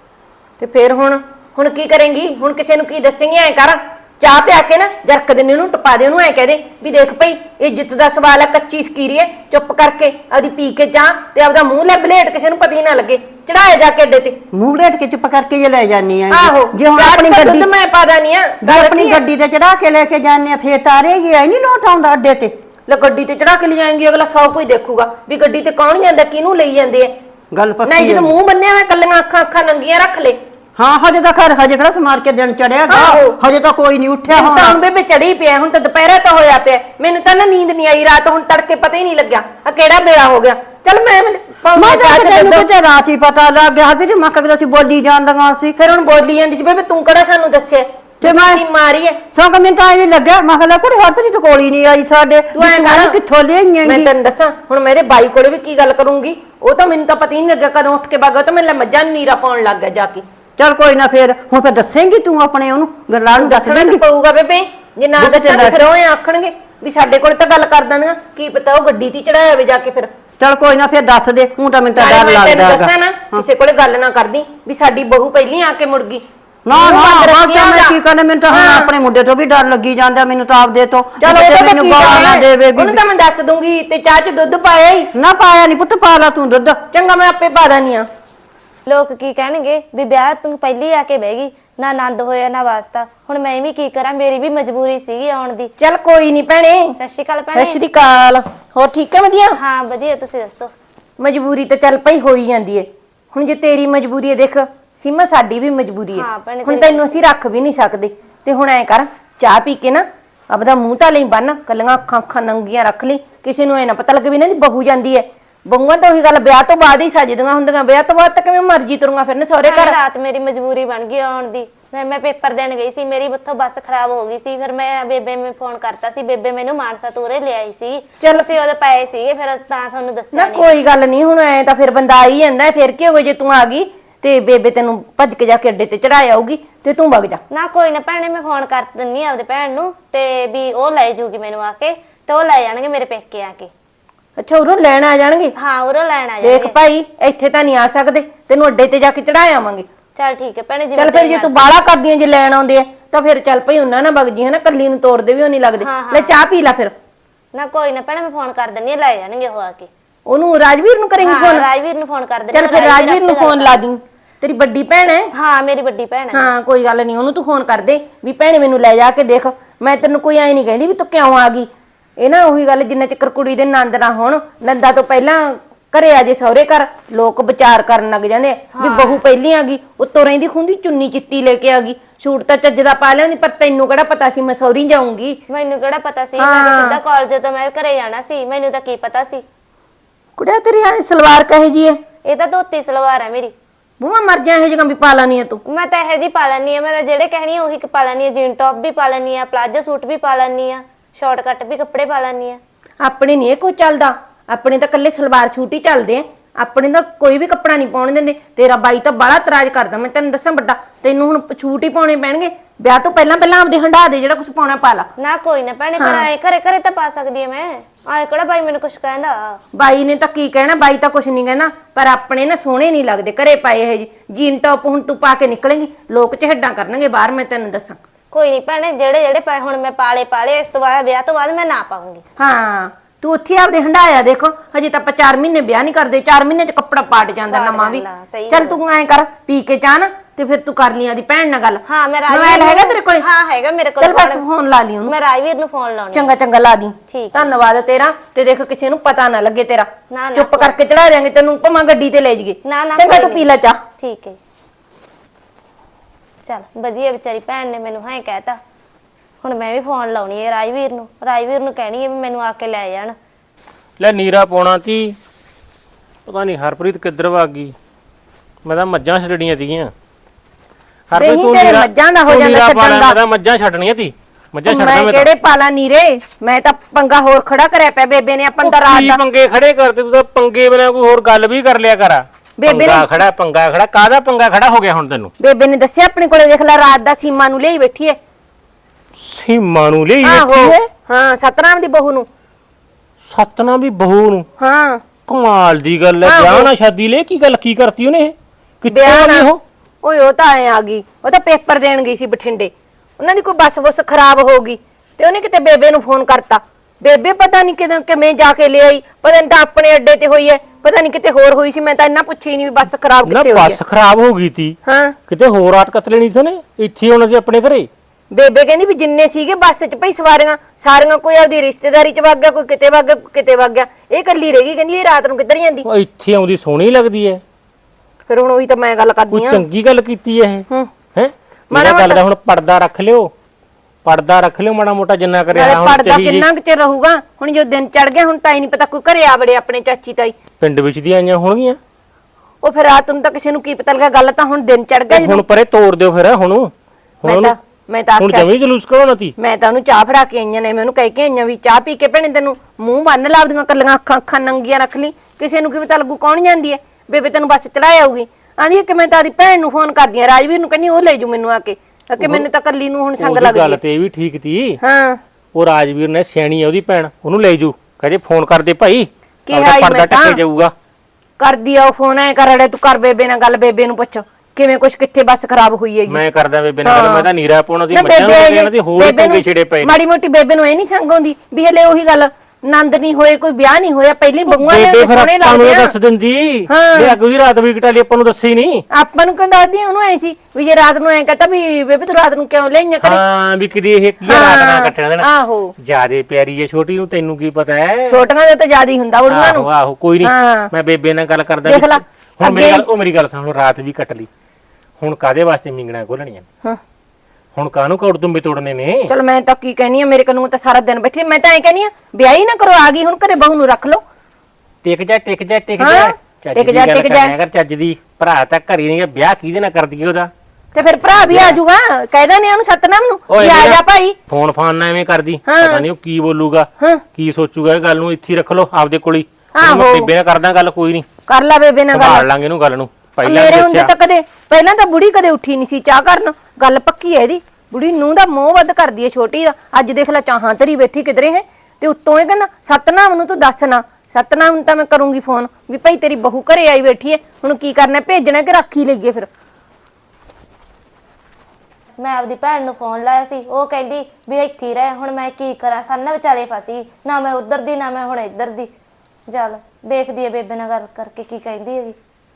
S3: ਤੇ ਫਿਰ ਹੁਣ ਹੁਣ ਕੀ ਕਰੇਂਗੀ? ਹੁਣ ਕਿਸੇ ਨੂੰ ਕੀ ਦੱਸੇਂਗੀ? ਐ ਕਰ ਚਾਹ ਪਿਆ ਕੇ ਨਾ ਜਰਕ ਦੇ ਉਹਨੂੰ ਟਪਾ ਦੇ, ਉਹਨੂੰ ਐ ਕਹਿ ਦੇ ਵੀ ਦੇਖ ਭਈ ਇੱਜ਼ਤ ਦਾ ਸਵਾਲ ਹੈ, ਕੱਚੀ ਸਕੀਰੀ ਹੈ, ਚੁੱਪ ਕਰਕੇ ਆਪਦੀ ਪੀ ਕੇ ਚਾਹ ਤੇ ਆਪਦਾ ਮੂੰਹ ਲੈ ਬਲੇਟ, ਕਿਸੇ ਨੂੰ ਪਤਾ ਹੀ ਨਾ ਲੱਗੇ, ਚੜਾਇਆ ਜਾ ਕੇ ਅੱਡੇ ਤੇ
S1: ਮੂੰਹ ਲੇਟ ਕੇ ਚੁੱਪ ਕਰਕੇ ਜੇ ਲੈ ਜਾਨੀ ਆ।
S3: ਆਹੋ
S1: ਜੇ ਹੁਣ
S3: ਚਾਹ
S1: ਆਪਣੀ
S3: ਚ ਤਾਂ
S1: ਗੱਡੀ
S3: ਦੁੱਧ ਮੈਂ ਪਾ ਦਾਨੀ ਆ,
S1: ਜੇ ਆਪਣੀ ਗੱਡੀ ਤੇ ਚੜਾ ਕੇ ਲੈ ਕੇ ਜਾਂਦੇ ਆ ਫੇਰ ਤਾਰੇਗੀ, ਐ ਨਹੀਂ ਲੋਟ ਆਉਂਦਾ ਅੱਡੇ ਤੇ।
S3: ਲੈ ਗੱਡੀ ਤੇ ਚੜਾ ਕੇ ਲੈ ਜਾਏਂਗੀ, ਅਗਲਾ ਸੌ ਕੋਈ ਦੇਖੂਗਾ ਵੀ ਗੱਡੀ ਤੇ ਕੌਣ ਜਾਂਦਾ, ਕਿਹਨੂੰ ਲਈ ਜਾਂਦੇ ਆ।
S1: ਗੱਲ ਪੱਕੀ
S3: ਨਹੀਂ ਜਦੋਂ ਮੂੰਹ ਬੰਨਿਆ ਹੋਇਆ ਕੱਲੀਆਂ ਅੱਖਾਂ ਅੱਖਾਂ ਨੰਗੀਆਂ ਰੱਖ ਲੈ।
S1: ਹਾਂ ਹਜੇ ਤਾਂ ਖਰ ਹਜੇ ਕਿਹੜਾ ਸਮਾਰ ਕੇ ਦਿਨ ਚੜਿਆ ਗਾ, ਹਜੇ ਤਾਂ ਕੋਈ ਨਹੀਂ ਉੱਠਿਆ
S3: ਹੁਣ ਤਾਂ
S1: ਹੋਣਾ।
S3: ਹੁਣ ਬੇਬੇ ਚੜੀ ਪਿਆ, ਹੁਣ ਤਾਂ ਦੁਪਹਿਰਾ ਤਾਂ ਹੋਇਆ ਪਿਆ, ਮੈਨੂੰ ਤਾਂ ਨਾ ਨੀਂਦ ਨਹੀਂ ਆਈ ਰਾਤ, ਹੁਣ ਤੜਕੇ ਪਤਾ ਹੀ ਨਹੀਂ ਲੱਗਿਆ ਆ ਕਿਹੜਾ ਵੇਲਾ ਹੋ ਗਿਆ। ਚੱਲ ਮੈਂ
S1: ਮੈਂ ਤਾਂ ਤੈਨੂੰ ਕਿਤੇ ਰਾਤ ਹੀ ਪਤਾ ਲੱਗ ਗਿਆ ਵੀ ਮੈਂ ਕਦੇ ਅਸੀਂ ਬੋਲੀ ਜਾਂਦੀਆਂ ਸੀ।
S3: ਫਿਰ ਹੁਣ ਬੋਲੀ ਜਾਂਦੀ ਸੀ ਬੇਬੇ, ਤੂੰ ਕਿਹੜਾ ਸਾਨੂੰ ਦੱਸਿਆ
S1: ਤੇ ਮੈਂ
S3: ਮਾਰੀ ਐ?
S1: ਸੋ ਕਿ ਮੈਨੂੰ ਤਾਂ ਇਹ ਲੱਗਿਆ, ਮੈਂ ਕਿਹਾ ਕੁੜੀ ਹੱਥ ਤੋਂ ਕੋਲੀ ਨਹੀਂ ਆਈ ਸਾਡੇ,
S3: ਤੂੰ ਐਂ ਕਰ
S1: ਕਿੱਥੋਂ ਲਿਆਈਆਂ?
S3: ਮੈਂ ਤੈਨੂੰ ਦੱਸਾਂ ਹੁਣ ਮੇਰੇ ਬਾਈ ਕੋਲੇ ਵੀ ਕੀ ਗੱਲ ਕਰੂੰਗੀ, ਉਹ ਤਾਂ ਮੈਨੂੰ ਤਾਂ ਪਤਾ ਹੀ ਨਹੀਂ ਲੱਗਿਆ ਕਦੋਂ ਉੱਠ ਕੇ ਵਗ ਤਾਂ ਮੈਨੂੰ ਮੱਝਾਂ ਨੂੰ ਨੀਰਾ ਪਾਉਣ ਲੱਗ ਗਿਆ ਜਾ ਕੇ।
S1: ਚੱਲ ਕੋਈ ਨਾ, ਫੇਰ ਹੁਣ ਫਿਰ ਦੱਸੇਂਗੀ ਤੂੰ ਆਪਣੇ ਉਹਨੂੰ ਗੱਲਾਂ ਨੂੰ ਦੱਸ
S3: ਦੱਸਣਾ
S1: ਦੇਂਗੀ
S3: ਪਊਗਾ ਬੇਬੇ, ਜੇ ਨਾ ਦੱਸਾਂਗੇ ਫਿਰ ਉਹ ਐਂ ਆਖਣਗੇ ਵੀ ਸਾਡੇ ਕੋਲ ਤਾਂ ਗੱਲ ਕਰ ਦਿੰਦੀਆਂ, ਕੀ ਪਤਾ ਉਹ ਗੱਡੀ ਤੇ ਚੜਾਇਆ ਹੋਵੇ ਜਾ ਕੇ। ਫਿਰ
S1: ਚੱਲ ਕੋਈ ਨਾ, ਫੇਰ ਦੱਸ ਦੇ, ਹੁਣ ਤਾਂ ਮੈਨੂੰ ਤਾਂ ਡਰ
S3: ਮੈਂ ਤੈਨੂੰ
S1: ਲੱਗਦਾ
S3: ਦੱਸਾਂ ਨਾ ਕਿਸੇ ਕੋਲੇ ਗੱਲ ਨਾ ਕਰਦੀ ਵੀ ਸਾਡੀ ਬਹੂ ਪਹਿਲੀ ਆ ਕੇ ਮੁੜ ਗਈ।
S1: ਨਾ ਨਾ ਮੈਂ ਕੀ ਕਰਨਾ, ਮੈਨੂੰ ਤਾਂ ਹੁਣ ਆਪਣੇ ਮੁੰਡੇ ਤੋਂ ਵੀ ਡਰ ਲੱਗੀ ਜਾਂਦਾ, ਮੈਨੂੰ ਤਾਂ ਆਪਦੇ ਤੋਂ।
S3: ਚਲੋ ਉਹ ਤਾਂ
S1: ਮੈਨੂੰ ਗਾਲਾਂ ਨਾ ਦੇਵੇ ਵੀ
S3: ਉਹਨੂੰ ਤਾਂ ਮੈਂ ਦੱਸ ਦੂੰਗੀ। ਤੇ ਚਾਹ ਚ ਦੁੱਧ ਪਾਇਆ ਹੀ
S1: ਨਾ? ਪਾਇਆ ਨਹੀਂ ਪੁੱਤ, ਪਾ ਲਾ ਤੂੰ ਦੁੱਧ।
S3: ਚੰਗਾ ਮੈਂ ਆਪੇ ਪਾ ਦਾਨੀ ਆ।
S2: ਲੋਕ ਕੀ ਕਹਿਣਗੇ ਵੀ ਵਿਆਹ ਤੂੰ ਪਹਿਲੀ ਆ ਕੇ ਬਹਿ ਗਈ, ਨਾ ਆਨੰਦ ਹੋਇਆ ਨਾ ਵਾਸਤਾ। ਹੁਣ ਮੈਂ ਵੀ ਕੀ ਕਰਾਂ, ਮੇਰੀ ਵੀ ਮਜਬੂਰੀ ਸੀਗੀ ਆਉਣ ਦੀ।
S3: ਚੱਲ ਕੋਈ ਨਹੀਂ ਭੈਣੇ।
S2: ਸਤਿ ਸ਼੍ਰੀ ਅਕਾਲ ਭੈਣੇ।
S3: ਸਤਿ ਸ਼੍ਰੀ ਅਕਾਲ। ਹੋਰ ਠੀਕ ਹੈ? ਵਧੀਆ।
S2: ਹਾਂ ਵਧੀਆ, ਤੁਸੀਂ ਦੱਸੋ?
S3: ਮਜਬੂਰੀ ਤਾਂ ਚੱਲ ਪਈ ਹੋਈ ਜਾਂਦੀ ਏ। ਹੁਣ ਜੇ ਤੇਰੀ ਮਜਬੂਰੀ ਹੈ ਦੇਖ ਸੀਮਾ, ਸਾਡੀ ਵੀ ਮਜਬੂਰੀ
S2: ਹਾਂ
S3: ਹੈ।
S2: ਭੈਣੇ,
S3: ਹੁਣ ਤੈਨੂੰ ਅਸੀਂ ਰੱਖ ਵੀ ਨਹੀਂ ਸਕਦੇ। ਤੇ ਹੁਣ ਐ ਕਰ ਚਾਹ ਪੀ ਕੇ ਨਾ ਆਪਦਾ ਮੂੰਹ ਤਾਂ ਲਈ ਬੰਨ, ਕੱਲੀਆਂ ਅੱਖਾਂ ਅੱਖਾਂ ਨੰਗੀਆਂ ਰੱਖ ਲਈ, ਕਿਸੇ ਨੂੰ ਐ ਨਾ ਪਤਾ ਲੱਗੇ ਵੀ ਇਹਨਾਂ ਦੀ ਬਹੂ ਜਾਂਦੀ ਹੈ। ਬਹੂਆਂ ਤਾਂ ਉਹੀ ਗੱਲ ਵਿਆਹ ਤੋਂ ਬਾਅਦ ਹੀ ਸਜਦੀਆਂ ਹੁੰਦੀਆਂ, ਵਿਆਹ ਤੋਂ ਬਾਅਦ ਤਾਂ ਕਿਵੇਂ ਮਰਜ਼ੀ ਤੁਰੂੰਗਾ ਫਿਰਨ ਸਹੁਰੇ ਘਰ।
S2: ਰਾਤ ਮੇਰੀ ਮਜਬੂਰੀ ਬਣ ਗਈ ਆਉਣ ਦੀ। ਮੈਂ ਪੇਪਰ ਦੇਣ ਗਈ ਸੀ, ਮੇਰੀ ਉੱਥੋਂ ਬੱਸ ਖਰਾਬ ਹੋ ਗਈ ਸੀ, ਫਿਰ ਮੈਂ ਬੇਬੇ ਨੂੰ ਫੋਨ ਕਰਤਾ ਸੀ, ਬੇਬੇ ਮੈਨੂੰ ਮਾਨਸਾ ਤੋਰੇ ਲਿਆਈ ਸੀ। ਚਲੋ ਅਸੀਂ ਉਹਦੇ ਪਏ ਸੀਗੇ, ਫਿਰ ਤਾਂ ਤੁਹਾਨੂੰ ਦੱਸਿਆ
S3: ਨਾ ਕੋਈ ਗੱਲ ਨਹੀਂ, ਹੁਣ ਐ ਤਾਂ ਫਿਰ ਬੰਦਾ ਆ ਹੀ ਜਾਂਦਾ, ਫਿਰ ਕੀ ਹੋਵੇ ਜੇ ਤੂੰ ਆ ਗਈ ਤੇ ਬੇਬੇ ਤੈਨੂੰ ਭੱਜ ਕੇ ਜਾ ਕੇ ਅੱਡੇ ਤੇ ਚੜਾਇਆ ਆਊਗੀ ਤੇ ਤੂੰ ਵਗ ਜਾ।
S2: ਨਾ ਕੋਈ ਨਾ ਭੈਣੇ, ਮੈਂ ਫੋਨ ਕਰ ਦਿੰਨੀ ਆਪਦੇ ਭੈਣ ਨੂੰ ਤੇ ਵੀ ਉਹ ਲੈ ਜੂਗੀ ਮੈਨੂੰ ਆ ਕੇ, ਤੇ ਉਹ ਲੈ ਜਾਣਗੇ ਮੇਰੇ ਪੇਕੇ ਆ ਕੇ।
S3: ਅੱਛਾ ਉਰੋਂ ਲੈਣ ਆ ਜਾਣਗੇ?
S2: ਹਾਂ ਉਰੋਂ ਲੈਣ ਆ
S3: ਦੇਖ
S2: ਜਾਣਗੇ।
S3: ਭਾਈ ਇੱਥੇ ਤਾਂ ਨਹੀਂ ਆ ਸਕਦੇ, ਤੈਨੂੰ ਅੱਡੇ ਤੇ ਜਾ ਕੇ ਚੜਾ ਆਵਾਂਗੇ।
S2: ਚੱਲ ਠੀਕ ਹੈ ਭੈਣੇ ਜੀ।
S3: ਚੱਲ ਫਿਰ ਜੇ ਤੂੰ ਬਾਲਾ ਕਰਦੀਆਂ ਜੇ ਲੈਣ ਆਉਂਦੇ ਆ ਤਾਂ ਫਿਰ ਚੱਲ ਭਈ ਉਹਨਾਂ ਨਾਲ ਵਗ ਜੀ, ਹਨਾ ਕੱਲੀ ਨੂੰ ਤੋੜਦੇ ਵੀ ਉਹ ਨਹੀਂ ਲੱਗਦੇ। ਲੈ ਚਾਹ ਪੀ ਲੈ ਫਿਰ।
S2: ਨਾ ਕੋਈ ਨਾ ਭੈਣੇ, ਮੈਂ ਫੋਨ ਕਰ ਦਿੰਨੀ ਆ, ਲੈ ਜਾਣਗੇ ਉਹ ਆ ਕੇ।
S3: ਉਹਨੂੰ ਰਾਜਵੀਰ ਨੂੰ ਕਰੇਂਗੀ
S2: ਹਾਂ
S3: ਫੋਨ?
S2: ਰਾਜਵੀਰ ਨੂੰ ਫੋਨ ਕਰ ਦਿੰਨੀ।
S3: ਚੱਲ ਫਿਰ ਰਾਜਵੀਰ ਨੂੰ ਫੋਨ ਲਾ ਦੀ, ਤੇਰੀ ਵੱਡੀ ਭੈਣ ਹੈ।
S2: ਹਾਂ ਮੇਰੀ ਵੱਡੀ ਭੈਣ ਹੈ।
S3: ਹਾਂ ਕੋਈ ਗੱਲ ਨਹੀਂ, ਉਹਨੂੰ ਤੂੰ ਫੋਨ ਕਰ ਦੇ ਵੀ ਭੈਣੇ ਮੈਨੂੰ ਲੈ ਜਾ ਕੇ ਦੇਖ। ਮੈਂ ਤੈਨੂੰ ਕੋਈ ਐ ਨਹੀਂ ਕਹਿੰਦੀ ਵੀ ਤੂੰ ਕਿਉਂ ਆ ਗਈ। ਇਹ ਨਾ ਉਹੀ ਗੱਲ, ਜਿੰਨਾ ਚਿਰ ਕੁੜੀ ਦੇ ਨੰਦ ਨਾ ਹੋਣ, ਨੰਦਾ ਤੋਂ ਪਹਿਲਾਂ ਘਰੇ ਆ ਜੇ ਸਹੁਰੇ ਘਰ, ਲੋਕ ਵਿਚਾਰ ਕਰਨ ਲੱਗ ਜਾਂਦੇ ਵੀ ਬਹੂ ਪਹਿਲੀ ਆ ਗਈ, ਉੱਤੋਂ ਰਹਿੰਦੀ ਖੁੰਦੀ ਚੁੰਨੀ ਚਿੱਟੀ ਲੈ ਕੇ ਆ ਗਈ, ਸੂਟ ਤਾਂ ਚੱਜ ਦਾ ਪਾ ਲਿਆਂਦੀ, ਪਰ ਤੈਨੂੰ ਕਿਹੜਾ ਪਤਾ ਸੀ ਮੈਂ ਸਹੁਰੀ ਜਾਊਂਗੀ?
S2: ਮੈਨੂੰ ਕਿਹੜਾ ਪਤਾ ਸੀ, ਮੈਂ ਤਾਂ ਸਿੱਧਾ ਕਾਲਜ ਤੋਂ ਮੈਂ ਘਰੇ ਜਾਣਾ ਸੀ, ਮੈਨੂੰ ਤਾਂ ਕੀ ਪਤਾ ਸੀ।
S3: ਕੁੜਿਆ ਤੇਰੀ ਐ ਸਲਵਾਰ ਕਹੇ ਜੀ ਐ?
S2: ਇਹ ਤਾਂ ਧੋਤੀ ਸਲਵਾਰ ਹੈ ਮੇਰੀ।
S3: ਬੂਹਾ ਮਰ ਜਾ, ਇਹ ਜਗ੍ਹਾ ਵੀ ਪਾ ਲਾਨੀ ਆ ਤੂੰ?
S2: ਮੈਂ ਤਾਂ ਇਹੋ ਜਿਹੀ ਪਾ ਲੈਣੀ ਆ, ਮੈਂ ਤਾਂ ਜਿਹੜੇ ਕਹਿਣੀ ਆ ਉਹੀ ਪਾ ਲੈਣੀ ਆ, ਜੀਨ ਟੌਪ ਵੀ ਪਾ ਲੈਣੀ ਆ, ਪਲਾਜੋ ਸੂਟ ਵੀ ਪਾ ਲੈਣੀ ਆ, ਸ਼ਾਰਟ ਕੱਟ ਵੀ ਕੱਪੜੇ ਪਾ ਲੈਣੀ ਆ।
S3: ਆਪਣੇ ਨਹੀਂ ਇਹ ਕੋਈ ਚੱਲਦਾ, ਆਪਣੇ ਤਾਂ ਕੱਲੇ ਸਲਵਾਰ ਸੂਟ ਹੀ ਚੱਲਦੇ ਆ, ਆਪਣੇ ਤਾਂ ਕੋਈ ਵੀ ਕੱਪੜਾ ਨਹੀਂ ਪਾਉਣ ਦਿੰਦੇ। ਤੇਰਾ ਬਾਈ ਤਾਂ ਬੜਾ ਇਤਰਾਜ਼ ਕਰਦਾ, ਮੈਂ ਤੈਨੂੰ ਦੱਸਾਂ ਵੱਡਾ, ਤੈਨੂੰ ਹੁਣ ਛੂਟ ਹੀ ਪਾਉਣੇ ਪੈਣਗੇ। ਵਿਆਹ ਤੋਂ ਪਹਿਲਾਂ ਪਹਿਲਾਂ ਆਪਦੇ ਹੰਡਾ ਦੇ, ਜਿਹੜਾ ਕੁਝ ਪਾਉਣਾ ਪਾ ਲਾ।
S2: ਨਾ ਕੋਈ ਨਾ ਭੈਣੇ, ਪਰ ਆਏ ਘਰੇ ਘਰੇ ਤਾਂ ਪਾ ਸਕਦੀ ਆ ਮੈਂ, ਆਏ ਕਿਹੜਾ ਬਾਈ ਮੈਨੂੰ ਕੁਝ ਕਹਿੰਦਾ।
S3: ਬਾਈ ਨੇ ਤਾਂ ਕੀ ਕਹਿਣਾ, ਬਾਈ ਤਾਂ ਕੁਝ ਨਹੀਂ ਕਹਿੰਦਾ, ਪਰ ਆਪਣੇ ਨਾ ਸੋਹਣੇ ਨਹੀਂ ਲੱਗਦੇ ਘਰੇ ਪਾਏ ਇਹ ਜੀ ਜੀਨ ਟੌਪ। ਹੁਣ ਤੂੰ ਪਾ ਕੇ ਨਿਕਲੇਂਗੀ, ਲੋਕ ਚਿਹੜਾਂ ਕਰਨਗੇ ਬਾਹਰ, ਮੈਂ ਤੈਨੂੰ ਦੱਸਾਂ।
S2: ਕੋਈ ਨਹੀਂ ਭੈਣੇ, ਜਿਹੜੇ ਜਿਹੜੇ ਪਾਏ ਹੁਣ ਮੈਂ ਪਾਲੇ ਪਾਲੇ, ਇਸ ਤੋਂ ਬਾਅਦ ਵਿਆਹ ਤੋਂ ਬਾਅਦ ਮੈਂ ਨਾ ਪਾਉਂਗੀ।
S3: ਹਾਂ ਤੂੰ ਉੱਥੇ ਆਪਦੇ ਹੰਡਾਇਆ ਦੇਖੋ, ਹਜੇ ਤਾਂ ਆਪਾਂ ਚਾਰ ਮਹੀਨੇ ਵਿਆਹ ਨਹੀਂ ਕਰਦੇ, ਚਾਰ ਮਹੀਨੇ ਚ ਕੱਪੜਾ ਪਾਟ ਜਾਂਦਾ ਨਵਾਂ ਵੀ। ਚੱਲ ਤੂੰ ਐਂ ਕਰ, ਪੀ ਕੇ ਚਾਹ ਨਾ ਤੇ ਫਿਰ ਤੂੰ ਕਰ ਲਈ ਆਦੀ ਭੈਣ ਨਾਲ ਗੱਲ।
S2: ਹਾਂ ਮੈਂ
S3: ਮੋਬਾਈਲ ਹੈਗਾ ਤੇਰੇ ਕੋਲ?
S2: ਹਾਂ ਹੈਗਾ ਮੇਰੇ ਕੋਲ।
S3: ਚੱਲ ਬਸ ਫੋਨ ਲਾ ਲਈ ਉਹਨੂੰ।
S2: ਮੈਂ ਰਾਜਵੀਰ ਨੂੰ ਫੋਨ ਲਾਉਣੀ।
S3: ਚੰਗਾ ਚੰਗਾ ਲਾ ਦੀ।
S2: ਠੀਕ।
S3: ਧੰਨਵਾਦ ਤੇਰਾ। ਤੇ ਦੇਖ ਕਿਸੇ ਨੂੰ ਪਤਾ ਨਾ ਲੱਗੇ ਤੇਰਾ,
S2: ਨਾ, ਨਾ,
S3: ਚੁੱਪ ਕਰਕੇ ਚੜਾ ਦਿਆਂਗੇ ਤੈਨੂੰ, ਭਾਵੇਂ ਗੱਡੀ ਤੇ ਲੈ ਜਾਈਏ।
S2: ਨਾ ਨਾ
S3: ਚੰਗਾ ਤੂੰ ਪੀ ਲੈ ਚਾਹ।
S2: ਠੀਕ ਹੈ। ਚੱਲ ਵਧੀਆ, ਵਿਚਾਰੀ ਭੈਣ ਨੇ ਮੈਨੂੰ ਹਾਂ ਕਹਿਤਾ। ਹੁਣ ਮੈਂ ਵੀ ਫੋਨ ਲਾਉਣੀ ਹੈ ਰਾਜਵੀਰ ਨੂੰ, ਰਾਜਵੀਰ ਨੂੰ ਕਹਿਣੀ ਹੈ ਵੀ ਮੈਨੂੰ ਆ ਕੇ ਲੈ ਜਾਣ।
S4: ਲੈ ਨੀਰਾ ਪਾਉਣਾ ਤੀ, ਪਤਾ ਨਹੀਂ ਹਰਪ੍ਰੀਤ ਕਿੱਧਰ ਵਗ ਗਈ। ਮੈਂ ਤਾਂ ਮੱਝਾਂ ਛੱਡਣੀਆਂ ਤੀਆਂ।
S3: ਨਹੀਂ ਤੇਰੇ ਮੱਝਾਂ ਦਾ ਹੋ ਜਾਂਦਾ ਛੱਡਣ ਦਾ।
S4: ਮੈਂ ਮੱਝਾਂ ਛੱਡਣੀਆਂ ਤੀ, ਮੱਝਾਂ
S3: ਮੈਂ
S4: ਛੱਡਦਾ ਮੈਂ
S3: ਕਿਹੜੇ ਪਾਲਾ ਨੀਰੇ ਮੈਂ ਤਾਂ ਪੰਗਾ ਹੋਰ ਖੜਾ ਕਰਿਆ ਪਿਆ ਬੇਬੇ ਨੇ ਆਪਾਂ ਨੂੰ ਤਾਂ ਰਾਤ
S4: ਕੀ
S3: ਦਾ
S4: ਪੰਗੇ ਖੜੇ ਕਰਦੇ ਤੂੰ ਤਾਂ ਪੰਗੇ ਬਿਨਾਂ ਕੋਈ ਹੋਰ ਗੱਲ ਵੀ ਕਰ ਲਿਆ ਕਰ
S3: ਬੇਬੇ
S4: ਪੰਗਾ ਖੜਾ ਪੰਗਾ ਖੜਾ ਕਾਹਦਾ ਪੰਗਾ ਖੜਾ ਹੋ ਗਿਆ ਹੁਣ ਤੈਨੂੰ
S3: ਬੇਬੇ ਨੇ ਦੱਸਿਆ ਆਪਣੇ ਕੋਲੇ ਦੇਖ ਲੈ ਰਾਤ ਦਾ ਸੀਮਾ ਨੂੰ ਲਈ ਬੈਠੀ ਐ
S4: ਸੀਮਾ ਨੂੰ ਲਈ
S3: ਆਹੋ
S4: ਬੈਠੀ ਹੈ
S3: ਹਾਂ ਸਤਨਾਮ ਦੀ ਬਹੂ ਨੂੰ
S4: ਸਤਨਾਮ ਦੀ ਬਹੂ ਨੂੰ
S3: ਹਾਂ
S4: ਕਮਾਲ ਦੀ ਗੱਲ ਹੈ
S3: ਆਹੋ।
S4: ਵਿਆਹ ਨਾਲ ਸ਼ਾਦੀ ਲੈ ਕੀ ਗੱਲ ਕੀ ਕਰਤੀ ਉਹਨੇ ਕਿੱਥੇ
S3: ਵਿਆਹ
S4: ਆ ਗਈ
S3: ਨਾ-
S4: ਉਹ
S3: ਓਏ ਉਹ ਤਾਂ ਐ ਆ ਗਈ ਉਹ ਤਾਂ ਪੇਪਰ ਦੇਣ ਗਈ ਸੀ ਬਠਿੰਡੇ ਉਹਨਾਂ ਦੀ ਕੋਈ ਬੱਸ ਬੁੱਸ ਖਰਾਬ ਹੋ ਗਈ ਤੇ ਉਹਨੇ ਕਿਤੇ ਬੇਬੇ ਨੂੰ ਫੋਨ ਕਰਤਾ ਬੇਬੇ ਪਤਾ ਨਹੀਂ ਕਿਦੋਂ ਕਿਵੇਂ ਜਾ ਕੇ ਲੈ ਆਈ ਪਤਾ ਨਹੀਂ ਤਾਂ ਆਪਣੇ ਅੱਡੇ ਤੇ ਹੋਈ ਐ ਪਤਾ ਨਹੀਂ ਕਿਤੇ ਹੋਰ ਹੋਈ ਸੀ ਮੈਂ ਤਾਂ ਇੰਨਾ ਪੁੱਛੀ ਨਹੀਂ ਵੀ ਬੱਸ ਖਰਾਬ
S4: ਨਾ
S3: ਕਿੱਥੇ ਹੋਈ
S4: ਬੱਸ ਖਰਾਬ ਹੋ ਗਈ ਤੀ
S3: ਐ ਹਾਂ
S4: ਕਿਤੇ ਹੋਰ ਰਾਤ ਕਤਲੇ ਨਹੀਂ ਸੀ ਉਹਨੇ ਇੱਥੇ ਹੋਣਾ ਸੀ ਆਪਣੇ ਘਰੇ
S3: ਬੇਬੇ ਕਹਿੰਦੀ ਵੀ ਜਿੰਨੇ ਸੀਗੇ ਬੱਸ 'ਚ ਭਈ ਸਵਾਰੀਆਂ ਸਾਰੀਆਂ ਕੋਈ ਆਪਦੀ ਰਿਸ਼ਤੇਦਾਰੀ 'ਚ ਵਗ ਗਿਆ ਕੋਈ ਕਿਤੇ ਵਗ ਗਿਆ ਕੋਈ ਕਿਤੇ ਵਗ ਗਿਆ ਇਹ ਇਕੱਲੀ ਰਹਿ ਗਈ ਕਹਿੰਦੀ ਇਹ ਰਾਤ ਨੂੰ ਕਿੱਧਰ ਜਾਂਦੀ
S4: ਉਹ ਇੱਥੇ ਆਉਂਦੀ ਸੋਹਣੀ ਲੱਗਦੀ ਹੈ
S3: ਫਿਰ ਹੁਣ ਉਹੀ ਤਾਂ ਮੈਂ ਗੱਲ ਕਰਦੀ
S4: ਕੋਈ
S3: ਆ
S4: ਚੰਗੀ ਗੱਲ ਕੀਤੀ ਹੈ ਇਹ
S3: ਹੂੰ
S4: ਹੈ
S3: ਮਾੜਾ
S4: ਮਾੜਾ ਗੱਲ ਦਾ ਹੁਣ ਪਰਦਾ ਰੱਖ ਲਿਓ ਪਰਦਾ ਰੱਖ ਲਿਓ ਮਾੜਾ ਮੋਟਾ ਜਿੰਨਾ ਕਰਿਆ
S3: ਨਾਲੇ
S4: ਹੁਣ
S3: ਪੜਦਾ
S4: ਚਲੀ ਜੀ
S3: ਕਿੰਨਾ ਕੁ ਚਿਰ ਰਹੂਗਾ ਹੁਣ ਜੋ ਦਿਨ ਚੜ ਗਿਆ ਹੁਣ ਤਾਂ ਹੀ ਨਹੀਂ ਪਤਾ ਕੋਈ ਘਰੇ ਆ ਵੜੇ ਆਪਣੇ ਚਾਚੀ ਤਾਈ
S4: ਪਿੰਡ ਵਿੱਚ ਦੀਆਂ ਆਈਆਂ ਹੋਣਗੀਆਂ
S3: ਉਹ ਫਿਰ ਰਾਤ ਨੂੰ ਤਾਂ ਕਿਸੇ ਨੂੰ ਕੀ ਪਤਾ ਲੱਗਾ ਗੱਲ ਤਾਂ ਹੁਣ ਦਿਨ ਚੜ ਗਿਆ ਜਦੋਂ
S4: ਹੁਣ ਪਰੇ ਤੋੜ ਦਿਓ ਫਿਰ ਹੁਣ ਹੁਣ
S3: ਮੈਂ
S4: ਉਹਨੂੰ-
S3: ਤਾਂ ਮੈਂ ਤਾਂ
S4: ਹੁਣ
S3: ਆਖਿਆ
S4: ਜਮੀ ਜਲੂਸ ਕਰਾਉਣਾ ਤੀ
S3: ਮੈਂ ਤਾਂ ਉਹਨੂੰ ਚਾਹ ਫੜਾ ਕੇ ਆਈਆਂ ਨੇ ਮੈਂ ਉਹਨੂੰ ਕਹਿ ਕੇ ਆਈਆਂ ਵੀ ਚਾਹ ਪੀ ਕੇ ਭੈਣੇ ਤੈਨੂੰ ਮੂੰਹ ਬੰਨ ਲਾ ਆਪਦੀਆਂ ਕੱਲੀਆਂ ਅੱਖਾਂ ਅੱਖਾਂ ਨੰਗੀਆਂ ਰੱਖ ਲਈ ਕਿਸੇ ਨੂੰ ਕੀ ਪਤਾ ਲੱਗੂ ਕੌਣ ਜਾਂਦੀ ਹੈ ਬੇਬੇ ਤੈਨੂੰ ਬੱਸ ਚੜਾਇਆ ਆਊਗੀ ਆਂਦੀ ਕਿ ਮੈਂ ਤਾਂ ਆਦੀ ਭੈਣ ਨੂੰ ਫੋਨ ਕਰਦੀ ਆ ਰਾਜਵੀਰ ਨੂੰ ਕਹਿੰਦੀ ਉਹ ਲੈ ਜੂ ਮੈਨੂੰ ਆ ਕੇ ਕਿ ਮੈਨੂੰ ਤਾਂ ਕੱਲੀ ਨੂੰ ਹੁਣ ਸੰਗ
S4: ਉਹਦੀ
S3: ਲੱਗਦੀ
S4: ਗੱਲ
S3: ਹੈ
S4: ਤੇ ਇਹ ਵੀ ਠੀਕ ਤੀ
S3: ਹਾਂ
S4: ਉਹ ਰਾਜਵੀਰ ਨੇ ਸਿਆਣੀ ਆ ਉਹਦੀ ਭੈਣ ਉਹਨੂੰ ਲੈ ਜੂ ਕਹੇ ਫੋਨ ਕਰਦੇ ਭਾਈ
S3: ਕਿਹਾ
S4: ਆਪਦਾ
S3: ਹੀ
S4: ਪਰਦਾ
S3: ਮੈਂ ਤਾਂ।
S4: ਟੱਕੇ ਜਾਊਗਾ
S3: ਕਰਦੀ ਆ ਉਹ ਫੋਨ ਐ ਕਰ ਅੜੇ ਤੂੰ ਕਰ ਬੇਬੇ ਨਾਲ ਗੱਲ ਬੇਬੇ ਨੂੰ ਪੁੱਛ ਕਿਵੇਂ ਕੁਛ ਕਿੱਥੇ ਬੱਸ ਖਰਾਬ ਹੋਈ ਹੈਗੀ
S4: ਮੈਂ ਕਰਦਾ ਬੇਬੇ ਨਾਲ ਗੱਲ ਮੈਂ ਤਾਂ ਨੀਰਾ ਪਾਉਣਾ ਦੀ
S3: ਨਾ
S4: ਮੱਝਾਂ ਨੂੰ
S3: ਬੇਬੇ
S4: ਇਹਨਾਂ ਦੀ ਹੋਰ
S3: ਬੇਬੇ
S4: ਪੰਗੇ
S3: ਨੂੰ-
S4: ਛਿੜੇ ਪਏ ਨੇ।
S3: ਮਾੜੀ ਮੋਟੀ ਬੇਬੇ ਨੂੰ ਇਹ ਨਹੀਂ ਸੰਗ ਆਉਂਦੀ ਵੀ ਹਲੇ ਉਹੀ ਗੱਲ ਨੰਦ ਨਹੀਂ ਹੋਏ ਕੋਈ ਵਿਆਹ ਨਹੀਂ ਹੋਇਆ ਪਹਿਲੀ ਬਗੂਆਂ ਦੇ
S4: ਬੇਬੇ ਫਿਰ
S3: ਸੋਹਣੇ
S4: ਆਪਾਂ ਨੂੰ
S3: ਲੱਗਦੇ
S4: ਇਹ
S3: ਆ
S4: ਦੱਸ ਦਿੰਦੀ
S3: ਹਾਂ।
S4: ਇਹ ਅਗਲੀ ਰਾਤ ਵੀ ਕਟਾਲੀ ਆਪਾਂ ਨੂੰ ਦੱਸੀ ਨਹੀਂ
S3: ਆਪਾਂ ਨੂੰ ਕਹਿੰਦਾ ਆਦੀ ਉਹਨੂੰ ਐ ਸੀ ਵੀ ਜੇ ਰਾਤ ਨੂੰ ਐ ਕਹਤਾ ਵੀ ਬੇਬੇ ਤੂੰ ਰਾਤ ਨੂੰ ਕਿਉਂ ਲੈਈਆਂ ਕਰੇ
S4: ਹਾਂ ਵੀ ਕਿਦੀ ਇਹ ਕੀ ਆ ਰਾਤ ਨਾਲ ਕੱਟਣਾ ਦੇਣਾ
S3: ਆਹੋ
S4: ਜਿਆਦੇ ਪਿਆਰੀ ਹੈ ਛੋਟੀ ਨੂੰ ਤੈਨੂੰ ਕੀ ਪਤਾ ਹੈ
S3: ਛੋਟੀਆਂ ਦਾ ਤਾਂ ਜ਼ਿਆਦਾ ਹੀ ਹੁੰਦਾ ਉਹਨਾਂ
S4: ਆਹੋ
S3: ਨੂੰ
S4: ਆਹੋ ਕੋਈ ਨਹੀਂ
S3: ਹਾਂ।
S4: ਮੈਂ ਬੇਬੇ ਨਾਲ ਗੱਲ ਕਰਦਾ
S3: ਦੇਖ
S4: ਵੀ-
S3: ਲਾ,
S4: ਹੁਣ ਮੇਰੀ
S3: ਅੱਗੇ-
S4: ਗੱਲ ਉਹ ਮੇਰੀ ਗੱਲ ਸੁਣ ਹੁਣ ਰਾਤ ਵੀ ਕੱਟ ਲਈ ਹੁਣ ਕਾਦੇ ਵਾਸਤੇ ਮਿੰਗਣਾ ਖੋਲਣੀਆਂ
S3: ਹਾਂ
S4: ਹੁਣ ਕਾਹਨੂੰ ਕੌੜ ਤੁੰਬੇ ਤੋੜਨੇ ਨੇ
S3: ਚਲ ਮੈਂ ਤਾਂ ਕੀ ਕਹਿਨੀ ਆ ਮੇਰੇ ਕੋਲ ਤਾਂ ਸਾਰਾ ਦਿਨ ਬੈਠੀ ਮੈਂ ਤਾਂ ਐ ਕਹਿਨੀ ਆ ਵਿਆਹ ਹੀ ਨਾ ਕਰੋ ਆ ਗਈ ਹੁਣ ਘਰੇ ਬਹੂ ਨੂੰ ਰੱਖ ਲਓ
S4: ਟਿਕ ਜਾ ਟਿਕ ਜਾ ਟਿਕ
S3: ਹਾਂ,
S4: ਜਾ ਚੱਜ
S3: ਟਿਕ
S4: ਦੀ
S3: ਜਾ,
S4: ਗੱਲ
S3: ਟਿਕ ਜਾ।
S4: ਕਰਿਆ ਕਰ ਚੱਜ ਦੀ ਭਰਾ ਤਾਂ ਘਰੀ ਨਹੀਂ ਗਿਆ ਵਿਆਹ ਕਿਹਦੇ ਨਾਲ ਕਰਦੀ ਹੈ ਉਹਦਾ
S3: ਤੇ ਫਿਰ ਭਰਾ ਵੀ ਆ ਜਾਊਗਾ ਕਹਿਦਾ ਨੇ ਉਹਨੂੰ ਸਤਨਾਮ ਨੂੰ ਵੀ ਆ ਜਾ ਭਾਈ
S4: ਫੋਨ ਫਾਨ ਨਾ ਐਵੇਂ ਕਰਦੀ
S3: ਹਾਂ।
S4: ਪਤਾ ਨਹੀਂ ਉਹ ਕੀ ਬੋਲੂਗਾ
S3: ਹਾਂ।
S4: ਕੀ ਸੋਚੂਗਾ ਇਹ ਗੱਲ ਨੂੰ ਇੱਥੇ ਹੀ ਰੱਖ ਲਓ ਆਪਦੇ ਕੋਲ ਹੀ
S3: ਆਹੋ।
S4: ਮੈਂ ਬੇਬੇ ਨਾਲ ਕਰਦਾ ਗੱਲ ਕੋਈ ਨਹੀਂ
S3: ਕਰ ਲੈ ਬੇਬੇ ਨਾਲ
S4: ਸੰਭਾਲ
S3: ਗੱਲ
S4: ਲਾਂਗੇ ਇਹਨੂੰ ਗੱਲ ਨੂੰ ਪਹਿਲਾਂ
S3: ਮੇਰੇ
S4: ਵੀ
S3: ਹੁੰਦੇ
S4: ਦੱਸਿਆ
S3: ਤਾਂ ਕਦੇ ਪਹਿਲਾਂ ਤਾਂ ਬੁੜੀ ਕਦੇ ਉੱਠੀ ਨਹੀਂ ਸੀ ਚਾਹ ਕਰਨ ਗੱਲ ਪੱਕੀ ਹੈ ਇਹਦੀ ਬੁੜੀ ਨੂੰ ਦਾ ਮੋਹ ਵੱਧ ਕਰਦੀ ਹੈ ਛੋਟੀ ਦਾ ਅੱਜ ਦੇਖ ਲੈ ਚਾਹਾਂ ਤਰੀ ਬੈਠੀ ਕਿਧਰੇ ਹੈ ਤੇ ਉੱਤੋਂ ਇਹ ਕਹਿੰਦਾ ਸਤਨਾਮ ਨੂੰ ਤੂੰ ਦੱਸ ਨਾ ਸਤਨਾਮ ਨੂੰ ਤਾਂ ਮੈਂ ਕਰੂੰਗੀ ਫੋਨ ਵੀ ਭਾਈ ਤੇਰੀ ਬਹੂ ਘਰੇ ਆਈ ਬੈਠੀ ਹੈ ਹੁਣ ਕੀ ਕਰਨਾ ਭੇਜਣਾ ਕਿ ਰੱਖੀ ਲਈਏ ਫਿਰ
S2: ਮੈਂ ਆਪਦੀ ਭੈਣ ਨੂੰ ਫੋਨ ਲਾਇਆ ਸੀ ਉਹ ਕਹਿੰਦੀ ਵੀ ਇੱਥੇ ਹੀ ਰਹਿ ਹੁਣ ਮੈਂ ਕੀ ਕਰਾਂ ਸਾਨਾ ਵਿਚਾਲੇ ਫਸੀ ਨਾ ਮੈਂ ਉਧਰ ਦੀ ਨਾ ਮੈਂ ਹੁਣ ਇੱਧਰ ਦੀ ਚੱਲ ਦੇਖਦੀ ਏ ਬੇਬੇ ਨਾਲ ਗੱਲ ਕਰਕੇ ਕੀ ਕਹਿੰਦੀ ਹੈਗੀ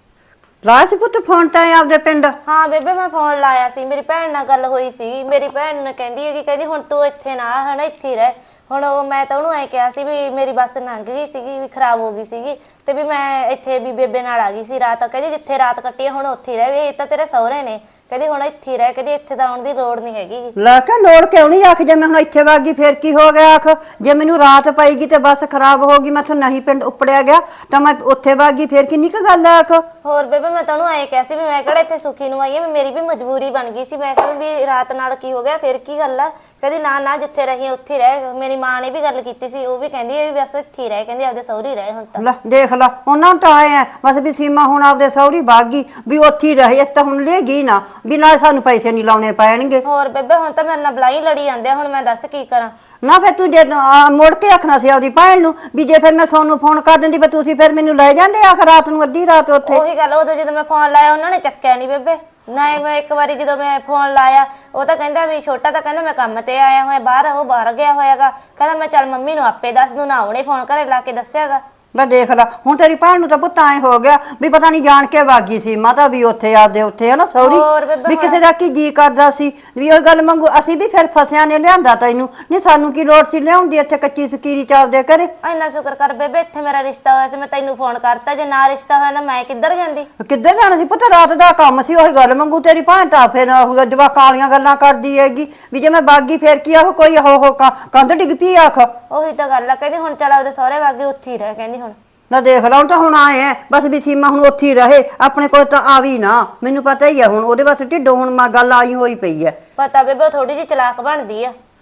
S1: ਲਾ ਸੀ ਪੁੱਤ ਫੋਨ ਤਾਂ ਇਹ ਆਪਦੇ ਪਿੰਡ
S2: ਹਾਂ ਬੇਬੇ ਮੈਂ ਫੋਨ ਲਾਇਆ ਸੀ ਮੇਰੀ ਭੈਣ ਨਾਲ ਗੱਲ ਹੋਈ ਸੀ ਮੇਰੀ ਭੈਣ ਨੇ ਕਹਿੰਦੀ ਹੈਗੀ ਕਹਿੰਦੀ ਹੁਣ ਤੂੰ ਇੱਥੇ ਨਾ ਆ, ਹਨਾ ਇੱਥੇ ਹੀ ਰਹਿ ਹੁਣ ਉਹ ਮੈਂ ਤਾਂ ਉਹਨੂੰ ਐ ਕਿਹਾ ਸੀ ਵੀ ਮੇਰੀ ਬੱਸ ਲੰਘ ਗਈ ਸੀਗੀ ਵੀ ਖਰਾਬ ਹੋ ਗਈ ਸੀਗੀ ਤੇ ਵੀ ਮੈਂ ਇੱਥੇ ਵੀ ਬੇਬੇ ਨਾਲ ਆ ਗਈ ਸੀ ਰਾਤ ਕਹਿੰਦੀ ਜਿੱਥੇ ਰਾਤ ਕੱਟੀ ਹੁਣ ਉੱਥੇ ਹੀ ਰਹਿ ਵੀ ਇਹ ਤਾਂ ਤੇਰੇ ਸਹੁਰੇ ਨੇ ਕਹਿੰਦੀ ਹੁਣ ਇੱਥੇ ਹੀ ਰਹਿ ਕਹਿੰਦੀ ਇੱਥੇ ਤਾਂ ਆਉਣ ਦੀ ਲੋੜ ਨਹੀਂ ਹੈਗੀ
S1: ਲਾ ਕੇ ਲੋੜ ਕਿਉਂ ਨਹੀਂ ਆਖ ਜੇ ਮੈਂ ਹੁਣ ਇੱਥੇ ਵਗ ਗਈ ਫੇਰ ਕੀ ਹੋ ਗਿਆ ਆਖ ਜੇ ਮੈਨੂੰ ਰਾਤ ਪਈਗੀ ਤੇ ਬੱਸ ਖਰਾਬ ਹੋ ਗਈ ਮੈਂ ਤਾਂ ਨਹੀਂ ਪਿੰਡ ਉੱਪੜਿਆ ਗਿਆ ਤਾਂ ਮੈਂ ਉੱਥੇ ਵਗ ਗਈ ਫੇਰ ਕਿੰਨੀ ਕੁ ਗੱਲ ਆ ਆਖ
S2: ਹੋਰ ਬੇਬੇ ਮੈਂ ਤਾਂ ਉਹਨੂੰ ਐਂ ਕਿਹਾ ਸੀ ਵੀ ਮੈਂ ਕਿਹੜਾ ਇੱਥੇ ਸੁਖੀ ਨੂੰ ਆਈ ਆ ਵੀ ਮੇਰੀ ਵੀ ਮਜਬੂਰੀ ਬਣ ਗਈ ਸੀ ਮੈਂ ਕਿਹਾ ਵੀ ਰਾਤ ਨਾਲ ਕੀ ਹੋ ਗਿਆ ਫਿਰ ਕੀ ਗੱਲ ਆ ਕਹਿੰਦੀ ਨਾ ਨਾ ਜਿੱਥੇ ਰਹੀ ਉੱਥੇ ਰਹਿ ਮੇਰੀ ਮਾਂ ਨੇ ਵੀ ਗੱਲ ਕੀਤੀ ਸੀ ਉਹ ਵੀ ਕਹਿੰਦੀ ਹੈ ਵੀ ਬਸ ਇੱਥੇ ਰਹਿ ਕਹਿੰਦੀ ਆਪਦੇ ਸਹੁਰੀ ਰਹਿ ਹੁਣ ਤਾਂ
S1: ਲੈ ਦੇਖ ਲਾ ਉਹਨਾਂ ਨੂੰ ਤਾਂ ਆਏ ਆ ਬਸ ਵੀ ਸੀਮਾ ਹੁਣ ਆਪਦੇ ਸਹੁਰੀ ਵਗ ਗਈ ਵੀ ਉੱਥੇ ਹੀ ਰਹੇ ਇਸ ਤਾਂ ਹੁਣ ਲੈ ਗਈ ਨਾ ਵੀ ਨਾਲ ਸਾਨੂੰ ਪੈਸੇ ਨਹੀਂ ਲਾਉਣੇ ਪੈਣਗੇ
S2: ਹੋਰ ਬੇਬੇ ਹੁਣ ਤਾਂ ਮੇਰੇ ਨਾਲ ਬਲਾਈ ਲੜੀ ਜਾਂਦੇ ਆ ਹੁਣ ਮੈਂ ਦੱਸ ਕੀ ਕਰਾਂ
S1: ਨਾ ਫਿਰ ਤੂੰ ਜੇ ਆ, ਮੁੜ ਕੇ ਆਖਣਾ ਸੀ ਆਪਦੀ ਭੈਣ ਨੂੰ ਵੀ ਜੇ ਫਿਰ ਮੈਂ ਸੋਨੂੰ ਫੋਨ ਕਰ ਦਿੰਦੀ ਫਿਰ ਤੁਸੀਂ ਫਿਰ ਮੈਨੂੰ ਲੈ ਜਾਂਦੇ ਆਖ ਰਾਤ ਨੂੰ ਅੱਧੀ ਰਾਤ ਉੱਥੇ
S2: ਉਹੀ ਗੱਲ ਉਦੋਂ ਜਦੋਂ ਮੈਂ ਫੋਨ ਲਾਇਆ ਉਹਨਾਂ ਨੇ ਚੱਕਿਆ ਨਹੀਂ ਬੇਬੇ ਨਾ ਮੈਂ ਇੱਕ ਵਾਰੀ ਜਦੋਂ ਮੈਂ ਫੋਨ ਲਾਇਆ ਉਹ ਤਾਂ ਕਹਿੰਦਾ ਵੀ ਛੋਟਾ ਤਾਂ ਕਹਿੰਦਾ ਮੈਂ ਕੰਮ ਤੇ ਆਇਆ ਹੋਇਆ ਬਾਹਰ ਉਹ ਬਾਹਰ ਗਿਆ ਹੋਇਆਗਾ ਕਹਿੰਦਾ ਮੈਂ ਚੱਲ ਮੰਮੀ ਨੂੰ ਆਪੇ ਦੱਸ ਦੂੰ ਨਾ ਉਹਨੇ ਫੋਨ ਘਰੇ ਲਾ ਕੇ ਦੱਸਿਆਗਾ
S1: ਲੈ ਦੇਖ ਲਾ ਹੁਣ ਤੇਰੀ ਭੈਣ ਨੂੰ ਤਾਂ ਪੁੱਤ ਐ ਹੋ ਗਿਆ ਵੀ ਪਤਾ ਨਹੀਂ ਜਾਣ ਕੇ ਵਾਗੀ ਸੀ ਮਾਤਾ ਵੀ ਉੱਥੇ ਆਪਦੇ ਉੱਥੇ ਹੈ ਨਾ
S2: ਹੋਰ
S1: ਸੌਰੀ
S2: ਬੇਬੇ
S1: ਵੀ ਕਿਸੇ ਦਾ ਕੀ ਜੀ ਕਰਦਾ ਸੀ ਵੀ ਉਹ ਗੱਲ ਮੰਗੂ ਅਸੀਂ ਵੀ ਫਿਰ ਫਸਿਆਂ ਨੇ ਲਿਆਂਦਾ ਤੈਨੂੰ ਨਹੀਂ ਸਾਨੂੰ ਕੀ ਲੋੜ ਸੀ ਲਿਆਉਂਦੀ ਇੱਥੇ ਕੱਚੀ ਸਕੀਰੀ ਚ ਆਪਦੇ ਘਰੇ
S2: ਇੰਨਾ ਸ਼ੁਕਰ ਕਰ ਬੇਬੇ ਇੱਥੇ ਮੇਰਾ ਰਿਸ਼ਤਾ ਹੋਇਆ ਸੀ ਮੈਂ ਤੈਨੂੰ ਫੋਨ ਕਰਤਾ ਜੇ ਨਾ ਰਿਸ਼ਤਾ ਹੋਇਆ ਤਾਂ ਮੈਂ ਕਿੱਧਰ ਜਾਂਦੀ
S1: ਕਿੱਧਰ ਜਾਣਾ ਸੀ ਪੁੱਤ ਰਾਤ ਦਾ ਕੰਮ ਸੀ ਉਹੀ ਗੱਲ ਮੰਗੂ ਤੇਰੀ ਭੈਣ ਤਾਂ ਫਿਰ ਉਹ ਜਵਾਕਾਂ ਵਾਲੀਆਂ ਗੱਲਾਂ ਕਰਦੀ ਹੈਗੀ ਵੀ ਜੇ ਮੈਂ ਬਾਗੀ ਫੇਰ ਕੀ ਆਖ ਕੋਈ ਹੋ ਹੋ ਕੰਧ ਡਿੱਗ ਪਈ ਆਖ
S2: ਉਹੀ ਤਾਂ ਗੱਲ ਆ ਕਹਿੰਦੀ ਹੁਣ ਚੱਲ ਉਹਦੇ ਸਹੁਰੇ ਵਾਗੇ ਉੱਥੇ ਹੀ ਰਹਿ ਕਹਿੰਦੀ ਹੁਣ
S1: ਨਾ ਦੇਖ ਲਾ ਹੁਣ ਤਾਂ ਹੁਣ ਆਏ ਐ ਬਸ ਵੀ ਸੀਮਾ ਹੁਣ ਉੱਥੇ ਹੀ ਰਹੇ ਆਪਣੇ ਕੋਲ ਤਾਂ ਆਵੀ ਨਾ ਮੈਨੂੰ ਪਤਾ ਹੀ ਆ ਹੁਣ ਉਹਦੇ ਵਾਸਤੇ ਢਿੱਡੋਂ ਹੁਣ ਮੈਂ ਗੱਲ ਆਈ ਹੋਈ ਪਈ ਐ
S2: ਪਤਾ ਬੇਬੇ ਥੋੜੀ ਜਿਹੀ ਚਲਾਕ ਬਣਦੀ ਆ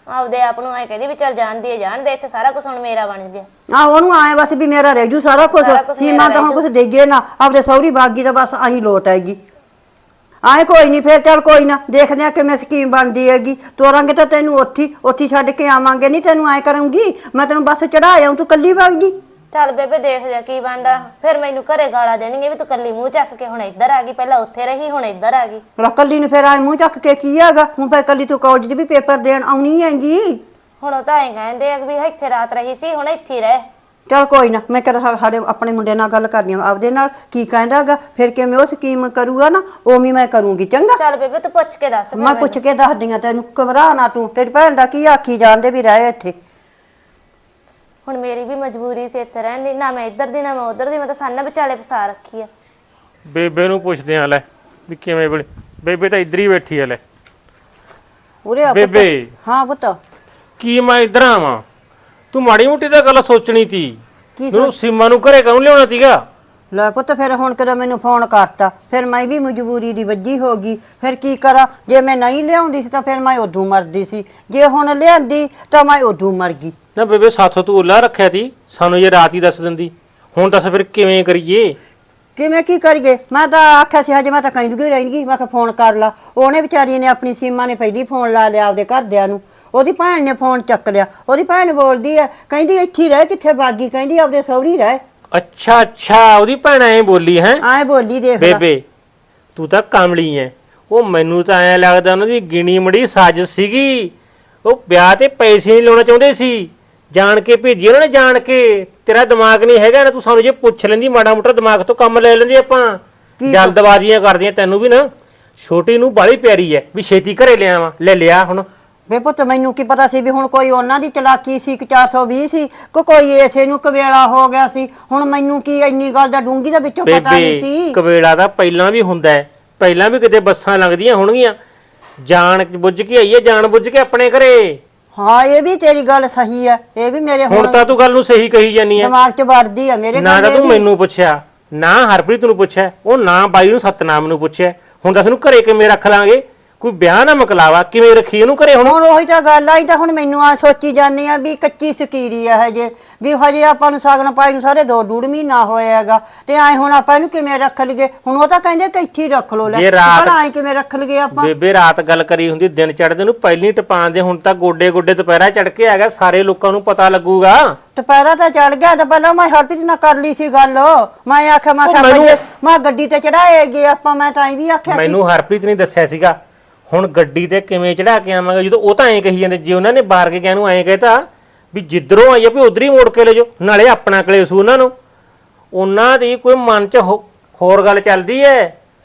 S2: ਆਪਦੇ ਆਪ ਨੂੰ ਐ ਕਹਿੰਦੀ ਵੀ ਚੱਲ ਜਾਣਦੀ ਹੈ ਜਾਣ ਦੇ, ਇੱਥੇ ਸਾਰਾ ਕੁਝ ਹੁਣ ਮੇਰਾ ਬਣ ਗਿਆ।
S1: ਆ ਉਹਨੂੰ ਆਏ ਬਸ ਵੀ ਮੇਰਾ ਰਹਿ ਜੂ ਸਾਰਾ ਕੁਝ,
S2: ਸਾਰਾ ਕੁਛ
S1: ਸੀਮਾ ਤਾਂ ਹੁਣ ਕੁਝ ਦੇਈਏ ਨਾ, ਆਪਦੇ ਸਹੁਰੀ ਬਾਗੀ ਤਾਂ ਬਸ ਆਹੀ ਲੋਟ ਆਏਗੀ। ਆਏ ਕੋਈ ਨਹੀਂ, ਫੇਰ ਚੱਲ ਕੋਈ ਨਾ, ਦੇਖਦੇ ਆ ਕਿਵੇਂ ਸਕੀਮ ਬਣਦੀ ਹੈਗੀ। ਤੋਰਾਂਗੇ ਤਾਂ ਤੈਨੂੰ ਉੱਥੀ ਉੱਥੀ ਛੱਡ ਕੇ ਆਵਾਂਗੇ, ਨਹੀਂ ਤੈਨੂੰ ਐ ਕਰੂੰਗੀ ਮੈਂ ਤੈਨੂੰ ਬੱਸ ਚੜਾ ਆਉਂ, ਤੂੰ ਕੱਲੀ ਵਗ ਜੀ।
S2: ਚੱਲ ਬੇਬੇ ਦੇਖ ਜਾ ਕੀ ਬਣਦਾ, ਫਿਰ ਮੈਨੂੰ ਘਰੇ ਗਾਲਾਂ ਦੇਣਗੇ ਵੀ ਤੂੰ ਕੱਲੀ ਮੂੰਹ ਚੱਕ ਕੇ ਹੁਣ ਇੱਧਰ ਆ ਗਈ, ਪਹਿਲਾਂ ਉੱਥੇ ਰਹੀ ਹੁਣ ਇੱਧਰ ਆ ਗਈ।
S1: ਰ ਕੱਲੀ ਨੂੰ ਫੇਰ ਆਏ ਮੂੰਹ ਚੱਕ ਕੇ ਕੀ ਹੈਗਾ, ਹੁਣ ਫੇਰ ਕੱਲੀ ਤੂੰ ਕਾਲਜ ਦੇ ਵੀ ਪੇਪਰ ਦੇਣ ਆਉਣੀ ਹੈਗੀ।
S2: ਹੁਣ ਉਹ ਤਾਂ ਐਂ ਕਹਿੰਦੇ ਆ ਵੀ ਇੱਥੇ ਰਾਤ ਰਹੀ ਸੀ, ਹੁਣ ਇੱਥੇ ਹੀ ਰਹਿ।
S1: ਚਲ ਕੋਈ ਨਾ, ਮੈਂ ਕਰ ਸਾਡੇ ਆਪਣੇ ਮੁੰਡੇ ਨਾਲ ਗੱਲ ਕਰਨੀ ਆ ਆਪਦੇ ਨਾਲ, ਕੀ ਕਹਿੰਦਾਗਾ ਫਿਰ ਕਿਵੇਂ ਉਹ ਸਕੀਮ ਕਰੂਗਾ ਨਾ ਉਵੇਂ ਮੈਂ ਕਰੂੰਗੀ। ਚੰਗਾ
S2: ਚੱਲ ਬੇਬੇ ਤੂੰ ਪੁੱਛ ਕੇ ਦੱਸ।
S1: ਮੈਂ ਪੁੱਛ ਕੇ ਦੱਸਦੀ ਆ ਤੈਨੂੰ, ਘਬਰਾ ਨਾ ਤੂੰ, ਤੇਰੀ ਭੈਣ ਦਾ ਕੀ ਆਖੀ ਜਾਂਦੇ ਵੀ ਰਹਿ ਇੱਥੇ।
S2: ਹੁਣ ਮੇਰੀ ਵੀ ਮਜਬੂਰੀ ਸੀ ਇੱਥੇ ਰਹਿਣ ਦੀ, ਨਾ ਮੈਂ ਇੱਧਰ ਦੀ ਨਾ ਮੈਂ ਉੱਧਰ ਦੀ, ਮੈਂ ਤਾਂ ਸਾਨਾ ਵਿਚਾਲੇ ਫਸਾ ਰੱਖੀ ਆ।
S4: ਬੇਬੇ ਨੂੰ ਪੁੱਛਦੇ ਆ ਲੈ ਵੀ ਕਿਵੇਂ ਬਣੇ। ਬੇਬੇ ਤਾਂ ਇੱਧਰ ਹੀ ਬੈਠੀ ਆ ਲੈ।
S1: ਉਰੇ ਆ ਪੁੱਤ।
S4: ਬੇਬੇ
S1: ਹਾਂ ਪੁੱਤ
S4: ਕੀ ਮੈਂ ਇੱਧਰ ਆਵਾਂ, ਤੂੰ ਮਾੜੀ ਮੋਟੀ ਤਾਂ ਗੱਲ ਸੋਚਣੀ ਤੀ।
S1: ਕੀ
S4: ਮੈਨੂੰ ਸੀਮਾ ਨੂੰ ਘਰੇ ਕਾਹਨੂੰ ਲਿਆਉਣਾ ਸੀਗਾ?
S1: ਲੈ ਪੁੱਤ ਫਿਰ ਹੁਣ ਕਦੋਂ ਮੈਨੂੰ ਫੋਨ ਕਰਤਾ, ਫਿਰ ਮੈਂ ਵੀ ਮਜਬੂਰੀ ਦੀ ਵੱਜੀ ਹੋ ਗਈ। ਫਿਰ ਕੀ ਕਰਾਂ, ਜੇ ਮੈਂ ਨਹੀਂ ਲਿਆਉਂਦੀ ਸੀ ਤਾਂ ਫਿਰ ਮੈਂ ਉਦੋਂ ਮਰਦੀ ਸੀ, ਜੇ ਹੁਣ ਲਿਆਂਦੀ ਤਾਂ ਮੈਂ ਉਦੋਂ ਮਰ ਗਈ।
S4: ਨਾ ਬੇਬੇ ਸਾਥੋਂ ਤੂੰ ਉੱਲਾ ਰੱਖਿਆ ਤੀ, ਸਾਨੂੰ ਜੇ ਰਾਤ ਹੀ ਦੱਸ ਦਿੰਦੀ। ਹੁਣ ਦੱਸ ਫਿਰ ਕਿਵੇਂ ਕਰੀਏ?
S1: ਕਿਵੇਂ ਕੀ ਕਰੀਏ, ਮੈਂ ਤਾਂ ਆਖਿਆ ਸੀ ਹਜੇ ਮੈਂ ਤਾਂ ਕਹਿੰਦੀ ਰਹਿਣਗੀ, ਮੈਂ ਕਿਹਾ ਫੋਨ ਕਰ ਲਾ। ਉਹਨੇ ਵਿਚਾਰੀ ਨੇ ਆਪਣੀ ਸੀਮਾ ਨੇ ਪਹਿਲੀ ਫੋਨ ਲਾ ਲਿਆ ਆਪਦੇ ਘਰਦਿਆਂ ਨੂੰ, ਉਹਦੀ ਭੈਣ ਨੇ ਫੋਨ ਚੱਕ ਲਿਆ। ਉਹਦੀ ਭੈਣ ਬੋਲਦੀ ਹੈ, ਕਹਿੰਦੀ ਇੱਥੇ ਰਹਿ, ਕਿੱਥੇ ਬਾਗੀ, ਕਹਿੰਦੀ ਆਪਦੇ ਸਹੁਰੀ ਰਹਿ।
S4: ਅੱਛਾ ਅੱਛਾ, ਉਹਦੀ ਭੈਣ ਐਂ ਬੋਲੀ ਹੈ?
S1: ਐਂ ਬੋਲੀ ਦੇਖ ਲੈ।
S4: ਬੇਬੇ ਤੂੰ ਤਾਂ ਕਾਮਲੀ ਐ। ਉਹ ਮੈਨੂੰ ਤਾਂ ਐਂ ਲੱਗਦਾ ਉਹਨਾਂ ਦੀ ਗਿਣੀ ਮੜੀ ਸਾਜ਼ਿਸ਼ ਸੀਗੀ। ਉਹ ਵਿਆਹ ਤੇ ਪੈਸੇ ਨਹੀਂ ਲਾਉਣਾ ਚਾਹੁੰਦੇ ਸੀ, ਜਾਣ ਕੇ ਭੇਜੀ ਉਹਨਾਂ ਨੇ, ਜਾਣ ਕੇ। ਤੇਰਾ ਦਿਮਾਗ ਨਹੀਂ ਹੈਗਾ ਨਾ, ਤੂੰ ਸਾਨੂੰ ਜੇ ਪੁੱਛ ਲੈਂਦੀ ਮਾੜਾ ਮੋਟਾ ਦਿਮਾਗ ਤੋਂ ਕੰਮ ਲੈ ਲੈਂਦੇ ਆਪਾਂ। ਜਲਦਬਾਜ਼ੀਆਂ ਕਰਦੀਆਂ, ਤੈਨੂੰ ਵੀ ਨਾ ਛੋਟੀ ਨੂੰ ਬਾਲੀ ਪਿਆਰੀ ਐ ਵੀ ਛੇਤੀ ਘਰੇ ਲਿਆਵਾਂ, ਲੈ ਲਿਆ ਹੁਣ।
S1: ਵੇ ਪੁੱਤ ਮੈਨੂੰ ਕੀ ਪਤਾ ਸੀ ਵੀ ਹੁਣ ਕੋਈ ਉਹਨਾਂ ਦੀ ਚਲਾਕੀ ਸੀ ਕਿ ਚਾਰ ਸੌ ਵੀਹ ਸੀ ਕਿ ਕੋਈ ਏਸੇ ਨੂੰ ਕਵੇਲਾ ਹੋ ਗਿਆ ਸੀ। ਹੁਣ ਮੈਨੂੰ ਕੀ ਇੰਨੀ ਗੱਲ ਦਾ ਡੂੰਗੀ ਦਾ ਵਿੱਚੋਂ ਪਤਾ ਨਹੀਂ ਸੀ।
S4: ਬੇਬੇ ਕਵੇਲਾ ਤਾਂ ਪਹਿਲਾਂ ਵੀ ਹੁੰਦਾ ਹੈ, ਪਹਿਲਾਂ ਵੀ ਕਿਤੇ ਬੱਸਾਂ ਲੰਘਦੀਆਂ ਹੋਣਗੀਆਂ। ਜਾਣ ਬੁੱਝ ਕੇ ਆਈਏ, ਜਾਣ ਬੁੱਝ ਕੇ ਆਪਣੇ ਘਰੇ।
S1: ਹਾਂ ਇਹ ਵੀ ਤੇਰੀ ਗੱਲ ਸਹੀ ਹੈ, ਇਹ ਵੀ ਮੇਰੇ
S4: ਹੁਣ ਤਾਂ ਤੂੰ ਗੱਲ ਨੂੰ ਸਹੀ ਕਹੀ ਜਾਨੀ ਐ।
S1: ਦਿਮਾਗ 'ਚ ਵੜਦੀ ਆ ਮੇਰੇ।
S4: ਨਾ ਤਾਂ ਤੂੰ ਮੈਨੂੰ ਪੁੱਛਿਆ, ਨਾ ਹਰਪ੍ਰੀਤ ਨੂੰ ਪੁੱਛਿਆ, ਉਹ ਨਾ ਬਾਈ ਨੂੰ ਸਤਨਾਮ ਨੂੰ ਪੁੱਛਿਆ। ਹੁਣ ਦੱਸ ਨੂੰ ਘਰੇ ਕਿਵੇਂ ਰੱਖ ਲਾਂਗੇ? ਕੋਈ ਵਿਆਹ ਨਾ ਮਕਲਾਵਾ, ਕਿਵੇਂ ਰੱਖੀ ਉਹਨੂੰ ਘਰੇ? ਹੁਣ
S1: ਹੁਣ ਉਹੀ ਤਾਂ ਗੱਲ ਆਈ ਤਾਂ ਹੁਣ ਮੈਨੂੰ ਆ ਸੋਚੀ ਜਾਂਦੀ ਆ ਵੀ ਕੱਚੀ ਸਕੀਰੀ ਆ ਹਜੇ, ਵੀ ਹਜੇ ਆਪਾਂ ਨੂੰ ਸਾਗਣ ਪਾਈ ਨੂੰ ਸਾਰੇ ਦੋ ਡੂੜ ਮਹੀਨਾ ਹੋਇਆ ਹੈਗਾ, ਤੇ ਐ ਹੁਣ ਆਪਾਂ ਇਹਨੂੰ ਕਿਵੇਂ ਰੱਖ ਲਈਏ? ਹੁਣ ਉਹ ਤਾਂ ਕਹਿੰਦੇ ਕਿ ਇੱਥੇ ਹੀ ਰੱਖ ਲੋ। ਲੈ
S4: ਜੇ ਰਾਤ
S1: ਭਲਾ ਐ ਕਿਵੇਂ ਰੱਖ ਲਈਏ ਆਪਾਂ?
S4: ਬੇਬੇ ਰਾਤ ਗੱਲ ਕਰੀ ਹੁੰਦੀ, ਦਿਨ ਚੜ੍ਹਦੇ ਨੂੰ ਪਹਿਲੀ ਟਪਾਣ ਦੇ। ਹੁਣ ਤਾਂ ਗੋਡੇ ਗੋਡੇ ਦੁਪਹਿਰਾ ਚੜ ਕੇ ਆ ਗਿਆ, ਸਾਰੇ ਲੋਕਾਂ ਨੂੰ ਪਤਾ ਲੱਗੂਗਾ।
S1: ਦੁਪਹਿਰਾ ਤਾਂ ਚੜ ਗਿਆ, ਤਾਂ ਪਹਿਲਾਂ ਮੈਂ ਹਰਪ੍ਰੀਤ ਨਾਲ ਕਰ ਲਈ ਸੀ ਗੱਲ। ਮੈਂ ਆਖਿਆ ਮੈਂ ਕਿਹਾ
S4: ਮੈਨੂੰ-
S1: ਮੈਂ ਗੱਡੀ ਤੇ ਚੜਾਏਗੇ ਆਪਾਂ, ਮੈਂ ਤਾਂ ਐ ਵੀ ਆਖਿਆ ਸੀ।
S4: ਮੈਨੂੰ ਹਰਪ੍ਰੀਤ ਨੇ ਦੱਸਿਆ ਸੀਗਾ। ਹੁਣ ਗੱਡੀ ਤੇ ਕਿਵੇਂ ਚੜਾ ਕੇ ਆਵਾਂਗੇ, ਜਦੋਂ ਉਹ ਤਾਂ ਐਂ ਕਹੀ ਜਾਂਦੇ। ਜੇ ਉਹਨਾਂ ਨੇ ਬਾਰ ਕੇ ਗਿਆ ਨੂੰ ਐਂ ਕਹਿਤਾ ਵੀ ਜਿੱਧਰੋਂ ਆਈ ਆ ਵੀ ਉਧਰ ਹੀ ਮੋੜ ਕੇ ਲੈ ਜਾਓ, ਨਾਲੇ ਆਪਣਾ ਕਲੇਸ਼ ਉਹਨਾਂ ਨੂੰ। ਉਹਨਾਂ ਦੀ ਕੋਈ ਮਨ 'ਚ ਹੋਰ ਗੱਲ ਚੱਲਦੀ ਐ।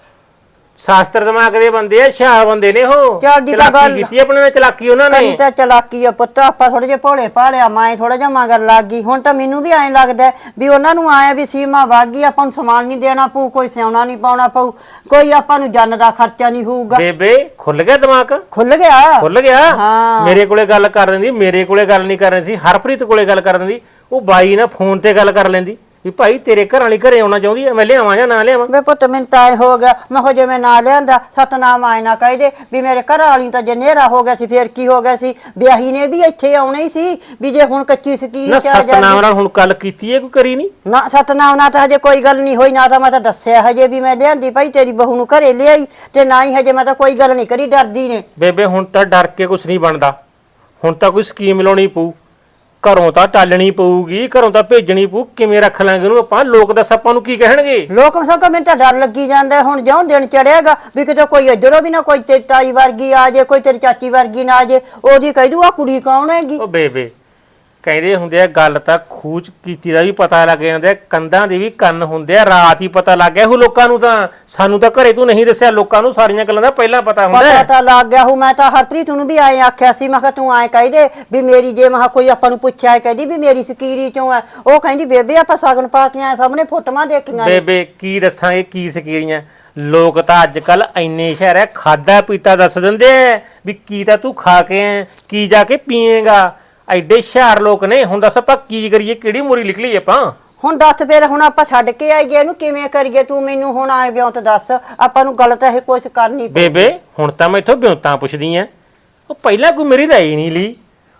S4: ਸ਼ਾਸਤਰ ਦਿਮਾਗ ਦੇ ਬੰਦੇ ਆ, ਹੁਸ਼ਿਆਰ ਬੰਦੇ ਨੇ ਉਹ।
S1: ਚੱਲ ਜੀ ਤਾਂ
S4: ਚਲਾਕੀ
S1: ਗੱਲ-
S4: ਕੀਤੀ ਆਪਣੇ ਨਾਲ, ਚਲਾਕੀ ਉਹਨਾਂ
S1: ਕਰੀ
S4: ਨੇ।
S1: ਤਾਂ ਚਲਾਕੀ ਆ ਪੁੱਤ, ਆਪਾਂ ਥੋੜੇ ਜਿਹਾ ਭੋਲੇ ਭਾਲਿਆ, ਮੈਂ ਥੋੜਾ ਜਿਹਾ ਮਗਰ ਲੱਗ ਗਈ। ਹੁਣ ਤਾਂ ਮੈਨੂੰ ਵੀ ਐਂ ਲੱਗਦਾ ਵੀ ਉਹਨਾਂ ਨੂੰ ਆਇਆ ਵੀ ਸੀਮਾ ਵਾਗੀ, ਆਪਾਂ ਨੂੰ ਸਮਾਨ ਨਹੀਂ ਦੇਣਾ ਪਊ, ਕੋਈ ਸਿਆਉਣਾ ਨਹੀਂ ਪਾਉਣਾ ਪਊ, ਕੋਈ ਆਪਾਂ ਨੂੰ ਜਨ ਦਾ ਖਰਚਾ ਨਹੀਂ ਹੋਊਗਾ।
S4: ਬੇਬੇ ਖੁੱਲ ਗਿਆ ਦਿਮਾਗ,
S1: ਖੁੱਲ ਗਿਆ
S4: ਖੁੱਲ ਗਿਆ।
S1: ਹਾਂ।
S4: ਮੇਰੇ ਕੋਲੇ ਗੱਲ ਕਰ ਲੈਂਦੀ, ਮੇਰੇ ਕੋਲੇ ਗੱਲ ਨਹੀਂ ਕਰ ਰਹੀ ਸੀ, ਹਰਪ੍ਰੀਤ ਕੋਲੇ ਗੱਲ ਕਰ ਲੈਂਦੀ। ਉਹ ਬਾਈ ਨਾਲ ਫੋਨ ਤੇ ਗੱਲ ਕਰ ਲੈਂਦੀ ਵੀ ਭਾਈ ਤੇਰੇ ਘਰ ਵਾਲੀ ਘਰੇ ਆਉਣਾ ਚਾਹੁੰਦੀ ਐ, ਮੈਂ ਲਿਆਵਾਂ ਜਾਂ ਨਾ ਲਿਆਵਾਂ।
S1: ਵੇ ਪੁੱਤ ਮੈਨੂੰ ਤਾਂ ਐ ਹੋ ਗਿਆ, ਮੈਂ ਹੋ ਜੇ ਮੈਂ ਨਾ ਲਿਆਂਦਾ ਸਤਨਾਮ ਆਏ ਨਾ ਕਹਦੇ ਵੀ ਮੇਰੇ ਘਰ ਵਾਲੀ ਤਾਂ ਜੇ ਨੇਰਾ ਹੋ ਗਿਆ ਸੀ, ਫੇਰ ਕੀ ਹੋ ਗਿਆ ਸੀ? ਵਿਆਹੀ ਨੇ ਵੀ ਇੱਥੇ ਆਉਣਾ ਹੀ ਸੀ, ਵੀ ਜੇ ਹੁਣ ਕੱਚੀ ਸਕੀਰੀ
S4: ਨਾ
S1: ਚ ਆ
S4: ਸਤਨਾਮ ਨਾਲ ਹੁਣ ਗੱਲ ਕੀਤੀ ਐ, ਕੋਈ ਕਰੀ ਨਹੀਂ?
S1: ਨਾ ਸਤਨਾਮ ਨਾਲ ਤਾਂ ਹਜੇ ਕੋਈ ਗੱਲ ਨਹੀਂ ਹੋਈ, ਨਾ ਤਾਂ ਮੈਂ ਤਾਂ ਦੱਸਿਆ ਹਜੇ ਵੀ ਮੈਂ ਲਿਆਂਦੀ ਭਾਈ ਤੇਰੀ ਬਹੂ ਨੂੰ ਘਰੇ ਲਿਆਈ, ਤੇ ਨਾ ਹੀ ਹਜੇ ਮੈਂ ਤਾਂ ਕੋਈ ਗੱਲ ਨਹੀਂ ਕਰੀ, ਡਰਦੀ ਨੇ।
S4: ਬੇਬੇ ਹੁਣ ਤਾਂ ਡਰ ਕੇ ਕੁਛ ਨਹੀਂ ਬਣਦਾ, ਹੁਣ ਤਾਂ ਕੋਈ ਸਕੀਮ ਲਾਉਣੀ ਪਊ। ਘਰੋਂ ਤਾਂ ਟਾਲਣੀ ਪਊਗੀ, ਘਰੋਂ ਤਾਂ ਭੇਜਣੀ ਪਊ। ਕਿਵੇਂ ਰੱਖ ਲਾਂਗੇ ਉਹਨੂੰ ਆਪਾਂ? ਲੋਕ ਦੱਸ ਆਪਾਂ ਨੂੰ ਕੀ ਕਹਿਣਗੇ?
S1: ਲੋਕ ਸਭ ਮੈਨੂੰ ਤਾਂ ਡਰ ਲੱਗੀ ਜਾਂਦਾ ਹੁਣ, ਜਿਉਂ ਦਿਨ ਚੜੇਗਾ ਵੀ ਕਿਤੇ ਕੋਈ ਇੱਧਰੋਂ ਵੀ ਨਾ ਕੋਈ ਤੇਰੀ ਤਾਈ ਵਰਗੀ ਆ ਜੇ, ਕੋਈ ਤੇਰੀ ਚਾਚੀ ਵਰਗੀ ਨਾ ਆ ਜੇ, ਉਹਦੀ ਕਹਿ ਦੂ ਆ ਕੁੜੀ ਕੌਣ ਹੈਗੀ।
S4: ਉਹ ਬੇਬੇ ਕਹਿੰਦੇ ਹੁੰਦੇ ਆ, ਗੱਲ ਤਾਂ ਖੂਚ ਕੀਤੀ ਦਾ ਵੀ ਪਤਾ ਲੱਗ ਜਾਂਦਾ, ਕੰਧਾਂ ਦੇ ਵੀ ਕੰਨ ਹੁੰਦੇ ਆ। ਰਾਤ ਹੀ ਪਤਾ ਲੱਗ ਗਿਆ ਉਹ ਲੋਕਾਂ ਨੂੰ, ਤਾਂ ਸਾਨੂੰ ਤਾਂ ਘਰੇ ਤੂੰ ਨਹੀਂ ਦੱਸਿਆ, ਲੋਕਾਂ ਨੂੰ ਸਾਰੀਆਂ ਗੱਲਾਂ ਦਾ ਪਹਿਲਾਂ ਪਤਾ ਹੁੰਦਾ।
S1: ਪਤਾ ਤਾਂ ਲੱਗ ਗਿਆ ਹੂੰ। ਮੈਂ ਤਾਂ ਹਰਪ੍ਰੀਤ ਨੂੰ ਵੀ ਆਏ ਆਖਿਆ ਸੀ, ਮੈਂ ਕਿਹਾ ਤੂੰ ਆਏ ਕਹਿ ਦੇ ਵੀ ਮੇਰੀ, ਜੇ ਮੈਂ ਕੋਈ ਆਪਾਂ ਨੂੰ ਪੁੱਛਿਆ ਕਹਿੰਦੀ ਵੀ ਮੇਰੀ ਸਕੀਰੀ ਚੋਂ ਹੈ, ਉਹ ਕਹਿੰਦੀ ਬੇਬੇ ਆਪਾਂ ਸਾਗਣ ਪਾ ਕੇ ਆਏ, ਸਾਹਮਣੇ ਫੋਟੋਆਂ ਦੇਖੀਆਂ।
S4: ਬੇਬੇ ਕੀ ਦੱਸਾਂਗੇ ਕੀ ਸਕੀਰੀਆਂ। ਲੋਕ ਤਾਂ ਅੱਜ ਕੱਲ ਇੰਨੇ ਸ਼ਹਿਰ ਹੈ, ਖਾਦਾ ਪੀਤਾ ਦੱਸ ਦਿੰਦੇ ਆ ਵੀ ਕੀ ਤਾਂ ਤੂੰ ਖਾ ਕੇ ਆਏ, ਕੀ ਜਾ ਕੇ ਪੀਏਗਾ। ਐਡੇ ਹੁਸ਼ਿਆਰ ਲੋਕ ਨੇ। ਹੁਣ ਦੱਸ ਆਪਾਂ ਕੀ ਕਰੀਏ, ਕਿਹੜੀ ਮੋਰੀ ਨਿਕਲੀ ਆਪਾਂ?
S1: ਹੁਣ ਦੱਸ ਫੇਰ ਹੁਣ ਆਪਾਂ ਛੱਡ ਕੇ ਆਈਏ ਇਹਨੂੰ, ਕਿਵੇਂ ਕਰੀਏ? ਤੂੰ ਮੈਨੂੰ ਹੁਣ ਆਏ ਵਿਉਂ ਤਾਂ ਦੱਸ, ਆਪਾਂ ਨੂੰ ਗਲਤ ਇਹ ਕੁਛ ਕਰਨੀ ਪਊ।
S4: ਬੇਬੇ ਹੁਣ ਤਾਂ ਮੈਂ ਇਥੋਂ ਬਿਉਂਤਾਂ ਪੁੱਛਦੀ ਆ, ਉਹ ਪਹਿਲਾਂ ਕੋਈ ਮੇਰੀ ਰਾਏ ਨਹੀਂ ਲਈ।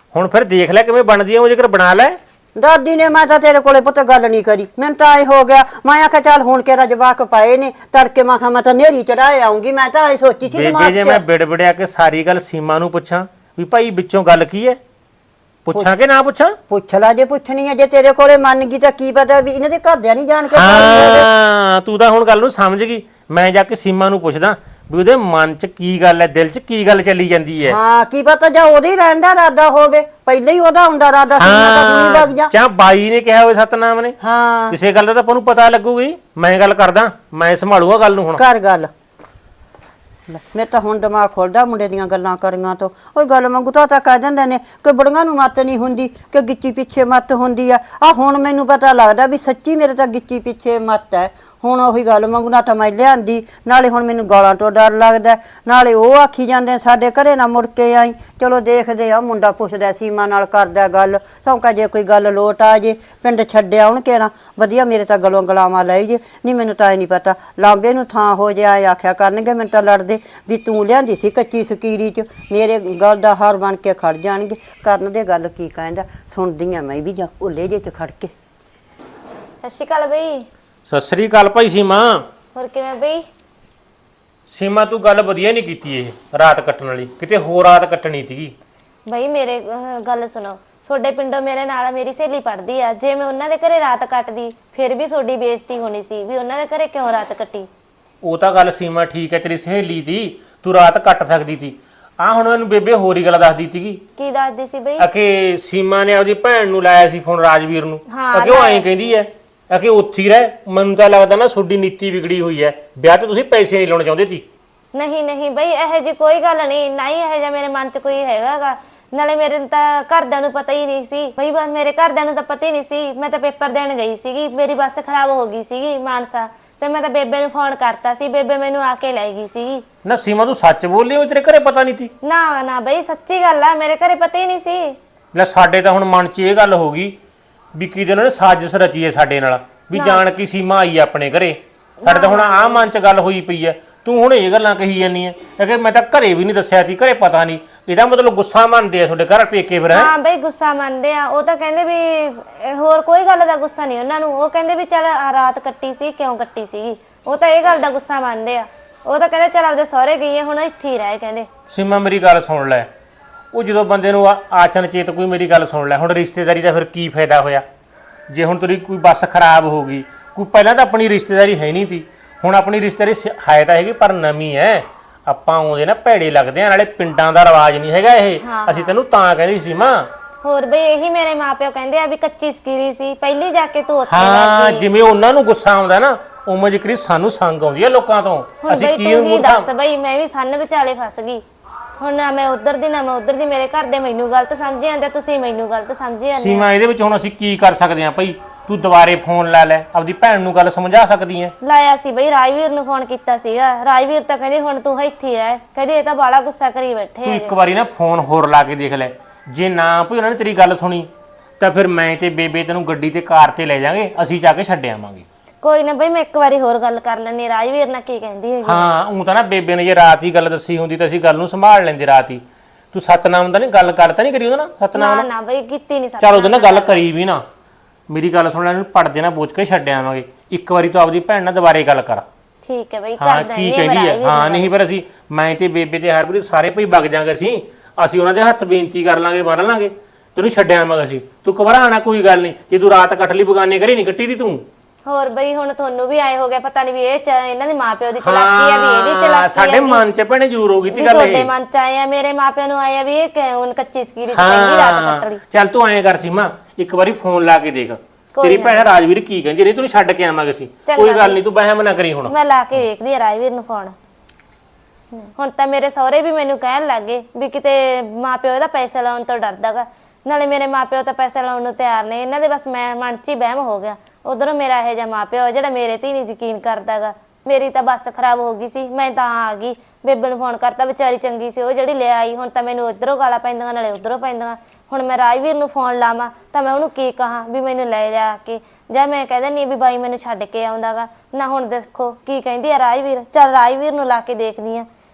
S4: ਹੁਣ ਫਿਰ ਦੇਖ ਲੈ ਕਿਵੇਂ ਬਣਦੀ ਆ ਉਹ, ਜੇਕਰ ਬਣਾ ਲੈ।
S1: ਦਾਦੀ ਨੇ ਮੈਂ ਤਾਂ ਤੇਰੇ ਕੋਲੇ ਪੁੱਤ ਗੱਲ ਨਹੀਂ ਕਰੀ, ਮੈਨੂੰ ਤਾਂ ਐ ਹੋ ਗਿਆ ਮੈਂ ਆਖਿਆ ਚੱਲ ਹੁਣ ਕਿਹੜਾ ਜਵਾਕ ਪਾਏ ਨੇ ਤੜਕੇ ਮੈਂ ਕਿਹਾ ਮੈਂ ਤਾਂ ਨੇਰੀ ਚੜਾਏ ਆਉਂਗੀ, ਮੈਂ ਤਾਂ ਐ ਸੋਚੀ ਸੀ
S4: ਬੇਬੇ
S1: ਦਿਮਾਗ
S4: ਜੇ
S1: 'ਚ।
S4: ਮੈਂ ਬਿੜਬੜਿਆ ਕੇ ਸਾਰੀ ਗੱਲ ਸੀਮਾ ਨੂੰ ਪੁੱਛਾਂ ਵੀ ਭਾਈ ਵਿੱਚੋਂ ਗੱਲ ਕੀ ਹੈ, ਪੁੱਛਾਂ ਕਿ ਨਾ ਪੁੱਛਾਂ?
S1: ਪੁੱਛ ਲਾ ਜੇ ਪੁੱਛਣੀ ਹੈ, ਜੇ ਤੇਰੇ ਕੋਲੇ ਮੰਨ ਗਈ ਤਾਂ ਕੀ ਪਤਾ ਵੀ ਇਹਨਾਂ ਦੇ ਘਰਦਿਆਂ ਨਹੀਂ ਜਾਣ ਕੇ ਪਾਈ
S4: ਹਾਂ ਤੂੰ ਤਾਂ ਹੁਣ ਗੱਲ ਨੂੰ ਸਮਝ ਗਈ। ਮੈਂ ਜਾ ਕੇ ਸੀਮਾ ਨੂੰ ਪੁੱਛਦਾ ਵੀ ਉਹਦੇ ਮਨ 'ਚ ਕੀ ਗੱਲ ਹੈ, ਦਿਲ 'ਚ ਕੀ ਗੱਲ ਚੱਲੀ ਜਾਂਦੀ ਹੈ।
S1: ਹਾਂ ਕੀ ਪਤਾ ਜਾਂ ਉਹਦੇ ਹੀ ਰਹਿਣ ਦਾ ਇਰਾਦਾ ਹੋਵੇ, ਪਹਿਲਾਂ ਹੀ ਉਹਦਾ ਹੁੰਦਾ ਇਰਾਦਾ ਸੀ ਮੈਂ ਤਾਂ ਹੁਣੀ ਵਗ ਜਾ।
S4: ਚਾਹ ਬਾਈ ਨੇ ਕਿਹਾ ਹੋਵੇ ਸਤਨਾਮ ਨੇ,
S1: ਹਾਂ
S4: ਕਿਸੇ ਗੱਲ ਦਾ ਤਾਂ ਆਪਾਂ ਨੂੰ ਪਤਾ ਲੱਗੂਗੀ। ਮੈਂ ਗੱਲ ਕਰਦਾ, ਮੈਂ ਸੰਭਾਲੂਗਾ ਗੱਲ ਨੂੰ ਹੁਣ।
S1: ਕਰ ਗੱਲ। ਲੈ, ਮੇਰੇ ਤਾਂ ਹੁਣ ਦਿਮਾਗ ਖੁੱਲਦਾ ਮੁੰਡੇ ਦੀਆਂ ਗੱਲਾਂ ਕਰੀਆਂ ਤੋਂ। ਉਹ ਗੱਲ ਮੰਗੂ ਤਾਂ ਤਾਂ ਕਹਿ ਦਿੰਦੇ ਨੇ ਕਿ ਬੁੜੀਆਂ ਨੂੰ ਮੱਤ ਨਹੀਂ ਹੁੰਦੀ, ਕਿ ਗਿੱਚੀ ਪਿੱਛੇ ਮੱਤ ਹੁੰਦੀ ਆ। ਆ ਹੁਣ ਮੈਨੂੰ ਪਤਾ ਲੱਗਦਾ ਵੀ ਸੱਚੀ ਮੇਰੇ ਤਾਂ ਗਿੱਚੀ ਪਿੱਛੇ ਮੱਤ ਹੈ। ਹੁਣ ਉਹੀ ਗੱਲ ਮੰਗੂ ਨਾ ਤਾਂ ਮੈਂ ਲਿਆਂਦੀ, ਨਾਲੇ ਹੁਣ ਮੈਨੂੰ ਗਾਲਾਂ ਤੋਂ ਡਰ ਲੱਗਦਾ, ਨਾਲੇ ਉਹ ਆਖੀ ਜਾਂਦੇ ਸਾਡੇ ਘਰੇ ਨਾ ਮੁੜ ਕੇ ਆਈ। ਚਲੋ ਦੇਖਦੇ ਆ, ਮੁੰਡਾ ਪੁੱਛਦਾ ਸੀਮਾ ਨਾਲ ਕਰਦਾ ਗੱਲ, ਸੌਂਕਾ ਜੇ ਕੋਈ ਗੱਲ ਲੋਟ ਆ ਜੇ ਪਿੰਡ ਛੱਡਿਆ ਹੁਣ ਘੇਰਾ ਵਧੀਆ ਮੇਰੇ ਤਾਂ ਗਲੋਂ ਗਲਾਵਾਂ ਲੈ ਜੇ। ਨਹੀਂ ਮੈਨੂੰ ਤਾਂ ਇਹ ਨਹੀਂ ਪਤਾ ਲਾਂਬੇ ਨੂੰ ਥਾਂ ਹੋ ਜਾ ਆਖਿਆ ਕਰਨਗੇ, ਮੈਨੂੰ ਤਾਂ ਲੜਦੇ ਵੀ ਤੂੰ ਲਿਆਂਦੀ ਸੀ ਕੱਚੀ ਸਕੀਰੀ 'ਚ, ਮੇਰੇ ਗੱਲ ਦਾ ਹਾਰ ਬਣ ਕੇ ਖੜ ਜਾਣਗੇ। ਕਰਨ ਦੇ ਗੱਲ ਕੀ ਕਹਿੰਦਾ ਸੁਣਦੀ ਆ ਮੈਂ ਵੀ ਜਾ ਉੱਲੇ ਜੇ 'ਚ ਖੜ ਕੇ।
S2: ਸਤਿ ਸ਼੍ਰੀ ਅਕਾਲ ਬਈ।
S4: ਸਤਿ ਸ੍ਰੀ ਅਕਾਲ ਭਾਈ ਸੀਮਾ।
S2: ਹੋਰ ਕਿਵੇਂ ਬਈ?
S4: ਸੀਮਾ ਤੂੰ ਗੱਲ ਵਧੀਆ ਨਹੀਂ ਕੀਤੀ, ਇਹ ਰਾਤ ਕੱਟਣ ਵਾਲੀ ਕਿਤੇ ਹੋਰ ਰਾਤ ਕੱਟਣੀ ਸੀਗੀ।
S2: ਬਈ ਮੇਰੇ ਅਹ, ਗੱਲ ਸੁਣੋ, ਤੁਹਾਡੇ ਪਿੰਡੋਂ ਮੇਰੇ ਨਾਲ ਮੇਰੀ ਸਹੇਲੀ ਪੜਦੀ ਆ, ਜੇ ਮੈਂ ਉਹਨਾਂ ਦੇ ਘਰੇ ਰਾਤ ਕੱਟਦੀ ਫਿਰ ਵੀ ਤੁਹਾਡੀ ਬੇਇੱਜ਼ਤੀ ਹੋਣੀ ਸੀ ਵੀ ਉਹਨਾਂ ਦੇ ਘਰੇ ਕਿਉਂ ਰਾਤ ਕੱਟੀ।
S4: ਉਹ ਤਾਂ ਗੱਲ ਸੀਮਾ ਠੀਕ ਹੈ, ਤੇਰੀ ਸਹੇਲੀ ਦੀ ਤੂੰ ਰਾਤ ਕੱਟ ਸਕਦੀ ਸੀ। ਆ ਹੁਣ ਮੈਨੂੰ ਬੇਬੇ ਹੋਰ ਹੀ ਗੱਲ ਦੱਸਦੀ ਸੀਗੀ
S2: ਕੀ ਦੱਸਦੀ ਸੀ ਬਈ?
S4: ਅਕੇ ਸੀਮਾ ਨੇ ਆਪਦੀ ਭੈਣ ਨੂੰ ਲਾਇਆ ਸੀ ਫੋਨ, ਰਾਜਵੀਰ ਨੂੰ।
S2: ਹਾਂ,
S4: ਅਕੇ ਉਹ ਐਂ ਕਹਿੰਦੀ ਐ ਅਕੇ ਉੱਥੇ ਹੀ ਰਹਿ, ਮੈਨੂੰ ਤਾਂ ਲੱਗਦਾ ਨਾ ਤੁਹਾਡੀ ਨੀਤੀ ਵਿਗੜੀ ਹੋਈ ਐ, ਵਿਆਹ ਤੇ ਤੁਸੀਂ ਪੈਸੇ ਨਹੀਂ ਲਾਉਣੇ ਚਾਹੁੰਦੇ ਸੀ।
S2: ਨਹੀਂ ਨਹੀਂ ਬਈ ਇਹੋ ਜੀ ਕੋਈ ਗੱਲ ਨਹੀਂ, ਨਾ ਹੀ ਇਹੋ ਜਿਹਾ ਮੇਰੇ ਮਨ 'ਚ ਕੋਈ ਹੈਗਾਗਾ। ਨਾਲੇ ਮੇਰੇ ਨੂੰ ਤਾਂ ਘਰਦਿਆਂ ਨੂੰ ਪਤਾ ਹੀ ਨਹੀਂ ਸੀ ਬਈ, ਬਸ ਮੇਰੇ ਘਰਦਿਆਂ ਨੂੰ ਤਾਂ ਪਤਾ ਹੀ ਨਹੀਂ ਸੀ। ਮੈਂ ਤਾਂ ਪੇਪਰ ਦੇਣ ਗਈ ਸੀਗੀ, ਮੇਰੀ ਬੱਸ ਖਰਾਬ ਹੋ ਗਈ ਸੀਗੀ ਮਾਨਸਾ, ਤੇ ਮੈਂ ਤਾਂ ਬੇਬੇ ਨੂੰ ਫੋਨ ਕਰਤਾ ਸੀ, ਬੇਬੇ ਮੈਨੂੰ ਆ ਕੇ ਲੈ ਗਈ ਸੀਗੀ।
S4: ਨਾ ਸੀਮਾ ਤੂੰ ਸੱਚ ਬੋਲੀ, ਉਹ ਤੇਰੇ ਘਰੇ ਪਤਾ ਨਹੀਂ ਸੀ?
S2: ਨਾ ਨਾ ਬਈ ਸੱਚੀ ਗੱਲ ਆ, ਮੇਰੇ ਘਰੇ ਪਤਾ ਹੀ ਨਹੀਂ ਸੀ।
S4: ਲੈ ਸਾਡੇ ਤਾਂ ਹੁਣ ਮਨ 'ਚ ਇਹ ਗੱਲ ਹੋ ਗਈ ਵੀ ਕਿਤੇ ਉਹਨਾਂ ਨੇ ਸਾਜ਼ਿਸ਼ ਰਚੀ ਹੈ ਸਾਡੇ ਨਾਲ, ਵੀ ਜਾਣ ਕੇ ਸੀਮਾ ਆਈ ਆਪਣੇ ਘਰੇ। ਸਾਡੇ ਤਾਂ ਹੁਣ ਆਹ ਮਨ 'ਚ ਗੱਲ ਹੋਈ ਪਈ ਐ, ਤੂੰ ਹੁਣ ਇਹ ਗੱਲਾਂ ਕਹੀ ਜਾਂਦੀ ਐ ਕਿ ਮੈਂ ਤਾਂ ਘਰੇ ਵੀ ਨਹੀਂ ਦੱਸਿਆ ਸੀ, ਘਰੇ ਪਤਾ ਨਹੀਂ। ਇਹਦਾ ਮਤਲਬ ਗੁੱਸਾ ਮੰਨਦੇ ਆ ਤੁਹਾਡੇ ਘਰ ਪੇਕੇ ਫਿਰ?
S2: ਹਾਂ ਬਈ ਗੁੱਸਾ ਮੰਨਦੇ ਆ, ਉਹ ਤਾਂ ਕਹਿੰਦੇ ਵੀ ਇਹ ਹੋਰ ਕੋਈ ਗੱਲ ਦਾ ਗੁੱਸਾ ਨਹੀਂ ਉਹਨਾਂ ਨੂੰ। ਉਹ ਕਹਿੰਦੇ ਵੀ ਚੱਲ ਆਹ ਰਾਤ ਕੱਟੀ ਸੀ, ਕਿਉਂ ਕੱਟੀ ਸੀਗੀ, ਉਹ ਤਾਂ ਇਹ ਗੱਲ ਦਾ ਗੁੱਸਾ ਮੰਨਦੇ ਆ। ਉਹ ਤਾਂ ਕਹਿੰਦੇ ਚੱਲ ਆਪਦੇ ਸਹੁਰੇ ਗਈ ਹੈ, ਹੁਣ ਇੱਥੇ ਹੀ ਰਹਿ ਕਹਿੰਦੇ।
S4: ਸੀਮਾ ਮੇਰੀ ਗੱਲ ਸੁਣ ਲੈ, ਉਹ ਜਦੋਂ ਬੰਦੇ ਨੂੰ ਆ- ਆਚਨ ਚੇਤ ਕੋਈ ਮੇਰੀ ਗੱਲ ਸੁਣ ਲੈ, ਹੁਣ ਰਿਸ਼ਤੇਦਾਰੀ ਦਾ ਫਿਰ ਕੀ ਫਾਇਦਾ ਹੋਇਆ ਜੇ ਹੁਣ ਤੇਰੀ ਕੋਈ ਬੱਸ ਖਰਾਬ ਹੋ ਗਈ। ਕੋਈ ਪਹਿਲਾਂ ਤਾਂ ਆਪਣੀ ਰਿਸ਼ਤੇਦਾਰੀ ਹੈ ਨਹੀਂ ਸੀ, ਹੁਣ ਆਪਣੀ ਰਿਸ਼ਤੇਦਾਰੀ ਸ- ਹੈ ਤਾਂ ਹੈਗੀ ਪਰ ਨਵੀਂ ਹੈ। ਆਪਾਂ ਆਉਂਦੇ ਨਾ ਭੈੜੇ ਲੱਗਦੇ ਆ, ਨਾਲੇ ਪਿੰਡਾਂ ਦਾ ਰਿਵਾਜ ਨਹੀਂ ਹੈਗਾ ਇਹ। ਅਸੀਂ ਤੈਨੂੰ ਤਾਂ ਕਹਿੰਦੀ ਸੀ ਮਾਂ।
S2: ਹੋਰ ਬਈ ਇਹੀ ਮੇਰੇ ਮਾਪਿਓ ਕਹਿੰਦੇ ਆ ਵੀ ਕੱਚੀ ਸਕੀਰੀ ਸੀ, ਪਹਿਲੀ ਜਾ ਕੇ ਤੂੰ ਉੱਥੇ
S4: ਹਾਂ
S2: ਲੱਗ ਗਈ।
S4: ਜਿਵੇਂ ਉਹਨਾਂ ਨੂੰ ਗੁੱਸਾ ਆਉਂਦਾ ਨਾ, ਉਵੇਂ ਜਿਕਰੀ ਸਾਨੂੰ ਸੰਗ ਆਉਂਦੀ ਹੈ ਲੋਕਾਂ ਤੋਂ।
S2: ਹੁਣ
S4: ਅਸੀਂ
S2: ਬਈ
S4: ਕੀ
S2: ਤੂੰ ਹੀ
S4: ਮੂਰਖਾਂ
S2: ਦੱਸ ਬਈ, ਮੈਂ ਵੀ ਸੰਨ ਵਿਚਾਲੇ ਫਸ ਗਈ। ਹੁਣ ਨਾ ਮੈਂ ਉਧਰ ਦੀ ਨਾ ਮੈਂ ਉਧਰ ਦੀ, ਮੇਰੇ ਘਰ ਦੇ ਮੈਨੂੰ ਗਲਤ ਸਮਝੀ ਜਾਂਦੇ, ਤੁਸੀਂ ਮੈਨੂੰ ਗਲਤ ਸਮਝੀ ਜਾਂਦੇ।
S4: ਸੀਮਾ ਇਹਦੇ ਵਿੱਚ ਹੁਣ ਅਸੀਂ ਕੀ ਕਰ ਸਕਦੇ ਹਾਂ ਭਾਈ? ਤੂੰ ਦੁਬਾਰੇ ਫੋਨ ਲਾ ਲੈ, ਆਪਦੀ ਭੈਣ ਨੂੰ ਗੱਲ ਸਮਝਾ ਸਕਦੀ ਹੈ।
S2: ਲਾਇਆ ਸੀ ਬਈ, ਰਾਜਵੀਰ ਨੂੰ ਫੋਨ ਕੀਤਾ ਸੀਗਾ, ਰਾਜਵੀਰ ਤਾਂ ਕਹਿੰਦੇ ਹੁਣ ਤੂੰ ਇੱਥੇ ਹੀ ਰਹਿ, ਕਹਿੰਦੇ ਇਹ ਤਾਂ ਬਾਲਾ ਗੁੱਸਾ ਕਰੀ ਬੈਠੇ
S4: ਤੂੰ
S2: ਆ।
S4: ਇੱਕ ਵਾਰੀ ਨਾ ਫੋਨ ਹੋਰ ਲਾ ਕੇ ਦੇਖ ਲੈ, ਜੇ ਨਾ ਭਈ ਉਹਨਾਂ ਨੇ ਤੇਰੀ ਗੱਲ ਸੁਣੀ ਤਾਂ ਫਿਰ ਮੈਂ ਤੇ ਬੇਬੇ ਤੈਨੂੰ ਗੱਡੀ ਤੇ ਕਾਰ ਤੇ ਲੈ ਜਾਾਂਗੇ, ਅਸੀਂ ਜਾ ਕੇ ਛੱਡ ਆਵਾਂਗੇ।
S2: ਕੋਈ ਨਾ ਬਈ, ਮੈਂ ਇੱਕ ਵਾਰੀ ਹੋਰ ਗੱਲ ਕਰ ਲੈਣੀ, ਰਾਜਵੀਰ ਨਾਲ ਕੀ ਕਹਿੰਦੀ ਹੈਗੀ।
S4: ਹਾਂ ਉਹ ਤਾਂ ਨਾ ਬੇਬੇ ਨੇ ਜੇ ਰਾਤ ਹੀ ਗੱਲ ਦੱਸੀ ਹੁੰਦੀ ਤਾਂ ਅਸੀਂ ਗੱਲ ਨੂੰ ਸੰਭਾਲ ਲੈਂਦੇ ਰਾਤ ਹੀ। ਤੂੰ ਸਤਨਾਮ ਦਾ ਨਹੀਂ ਗੱਲ ਕਰ ਤਾਂ ਨਹੀਂ ਕਰੀ ਉਹਦੇ ਨਾਲ? ਸਤਨਾਮ
S2: ਨਾ ਨਾ ਬਈ ਕੀਤੀ ਨਹੀਂ
S4: ਚੱਲ ਉਹਦੇ ਨਾਲ ਗੱਲ ਕਰੀ ਵੀ ਨਾ, ਮੇਰੀ ਗੱਲ ਸੁਣ ਲੈ, ਇਹਨੂੰ ਪੜਦੇ ਨਾ ਬੋਝ ਕੇ ਛੱਡ ਆਵਾਂਗੇ। ਇੱਕ ਵਾਰੀ ਤੂੰ ਆਪਦੀ ਭੈਣ ਨਾਲ ਦੁਬਾਰੇ ਗੱਲ ਕਰ।
S2: ਠੀਕ ਹੈ ਬਈ,
S4: ਹਾਂ
S2: ਕਰ
S4: ਕੀ
S2: ਦਿੰਦੀ
S4: ਕਹਿੰਦੀ ਹੈ। ਹਾਂ ਨਹੀਂ ਪਰ ਅਸੀਂ ਮੈਂ ਤੇ ਬੇਬੇ ਤੇ ਹਰਪ੍ਰੀਤ ਸਾਰੇ ਭਈ ਵਗ ਜਾਾਂਗੇ, ਅਸੀਂ ਅਸੀਂ ਉਹਨਾਂ ਦੇ ਹੱਥ ਬੇਨਤੀ ਕਰ ਲਾਂਗੇ, ਮਾਰ ਲਾਂਗੇ, ਤੈਨੂੰ ਛੱਡ ਆਵਾਂਗੇ ਅਸੀਂ। ਤੂੰ ਘਬਰਾਣਾ ਕੋਈ ਗੱਲ ਨਹੀਂ, ਜੇ ਤੂੰ ਰਾਤ ਕੱਟ ਲਈ ਬਗਾਨੇ ਘਰੇ ਨਹੀਂ ਕੱਟੀ ਦੀ ਤੂੰ।
S2: ਹੋਰ ਬਈ ਹੁਣ ਤੁਹਾਨੂੰ ਵੀ ਆਏ ਹੋ ਗਿਆ, ਪਤਾ ਨਹੀਂ ਵੀ ਇਹ ਚ- ਇਹਨਾਂ ਦੇ ਮਾਪਿਓ ਦੀ ਚਲਾਕੀ ਆ, ਵੀ ਇਹਦੀ ਚਲਾਕੀ ਆ।
S4: ਸਾਡੇ ਮਨ ਚ ਭੈਣੇ ਜ਼ਰੂਰ ਹੋ ਗਈ ਤੀ
S2: ਵੀ
S4: ਗੱਲ
S2: ਤੁਹਾਡੇ
S4: ਇਹ।
S2: ਮਨ ਚ ਆਏ ਆ, ਮੇਰੇ ਮਾਪਿਆਂ ਨੂੰ ਆਏ ਆ ਵੀ ਇਹ ਕਿਉਂ ਕੱਚੀ ਸਕੀਰੀ ਚ ਪਹਿਲੀ ਰਾਤ ਕੱਟ ਲਈ।
S4: ਚੱਲ ਤੂੰ ਐਂ ਕਰ ਸੀਮਾ, ਇੱਕ ਵਾਰੀ ਫੋਨ ਲਾ ਕੇ ਦੇਖ ਤੇਰੀ ਭੈਣ ਰਾਜਵੀਰ ਕੀ ਕਹਿੰਦੀ, ਨਹੀਂ ਤੈਨੂੰ ਛੱਡ ਕੇ ਆਵਾਂਗੇ ਅਸੀਂ। ਕੋਈ ਗੱਲ ਨਹੀਂ, ਤੂੰ ਬਹਿਮ ਨਾ ਕਰੀ ਹੁਣ।
S2: ਮੈਂ ਲਾ ਕੇ ਵੇਖਦੀ ਆ ਰਾਜਵੀਰ ਨੂੰ ਫੋਨ। ਹੁਣ ਤਾਂ ਮੇਰੇ ਸਹੁਰੇ ਵੀ ਮੈਨੂੰ ਕਹਿਣ ਲੱਗੇ ਵੀ ਕਿਤੇ ਮਾਪਿਓ ਇਹਦਾ ਪੈਸੇ ਲਾਉਣ ਤੋਂ ਡਰਦਾਗਾ, ਨਾਲੇ ਮੇਰੇ ਮਾਪਿਓ ਤਾਂ ਪੈਸੇ ਲਾਉਣ ਨੂੰ ਤਿਆਰ ਨੇ, ਇਹਨਾਂ ਦੇ ਬਸ ਮੈਂ ਮਨ 'ਚ ਹੀ ਵਹਿਮ ਹੋ ਗਿਆ। ਉਧਰੋਂ ਮੇਰਾ ਇਹੋ ਜਿਹਾ ਮਾਪਿਓ ਜਿਹੜਾ ਮੇਰੇ ਤੇ ਨਹੀਂ ਯਕੀਨ ਕਰਦਾਗਾ। ਮੇਰੀ ਤਾਂ ਬੱਸ ਖਰਾਬ ਹੋ ਗਈ ਸੀ, ਮੈਂ ਤਾਂ ਆ ਗਈ, ਬੇਬੇ ਨੂੰ ਫੋਨ ਕਰਤਾ, ਵਿਚਾਰੀ ਚੰਗੀ ਸੀ ਉਹ ਜਿਹੜੀ ਲੈ ਆਈ। ਹੁਣ ਤਾਂ ਮੈਨੂੰ ਇੱਧਰੋਂ ਗਾਲਾਂ ਪੈਂਦੀਆਂ ਨਾਲੇ ਉੱਧਰੋਂ ਪੈਂਦੀਆਂ। ਹੁਣ ਮੈਂ ਰਾਜਵੀਰ ਨੂੰ ਫੋਨ ਲਾਵਾਂ ਤਾਂ ਮੈਂ ਉਹਨੂੰ ਕੀ ਕਹਾਂ ਵੀ ਮੈਨੂੰ ਲੈ ਜਾ ਕੇ, ਜਾਂ ਮੈਂ ਕਹਿ ਦਿੰਦੀ ਵੀ ਬਾਈ ਮੈਨੂੰ ਛੱਡ ਕੇ ਆਉਂਦਾਗਾ ਨਾ। ਹੁਣ ਦੇਖੋ ਕੀ ਕਹਿੰਦੀ ਆ ਰਾਜਵੀਰ, ਚੱਲ ਰਾਜਵੀਰ ਨੂੰ ਲਾ ਕੇ ਦੇਖਦੀ ਆ।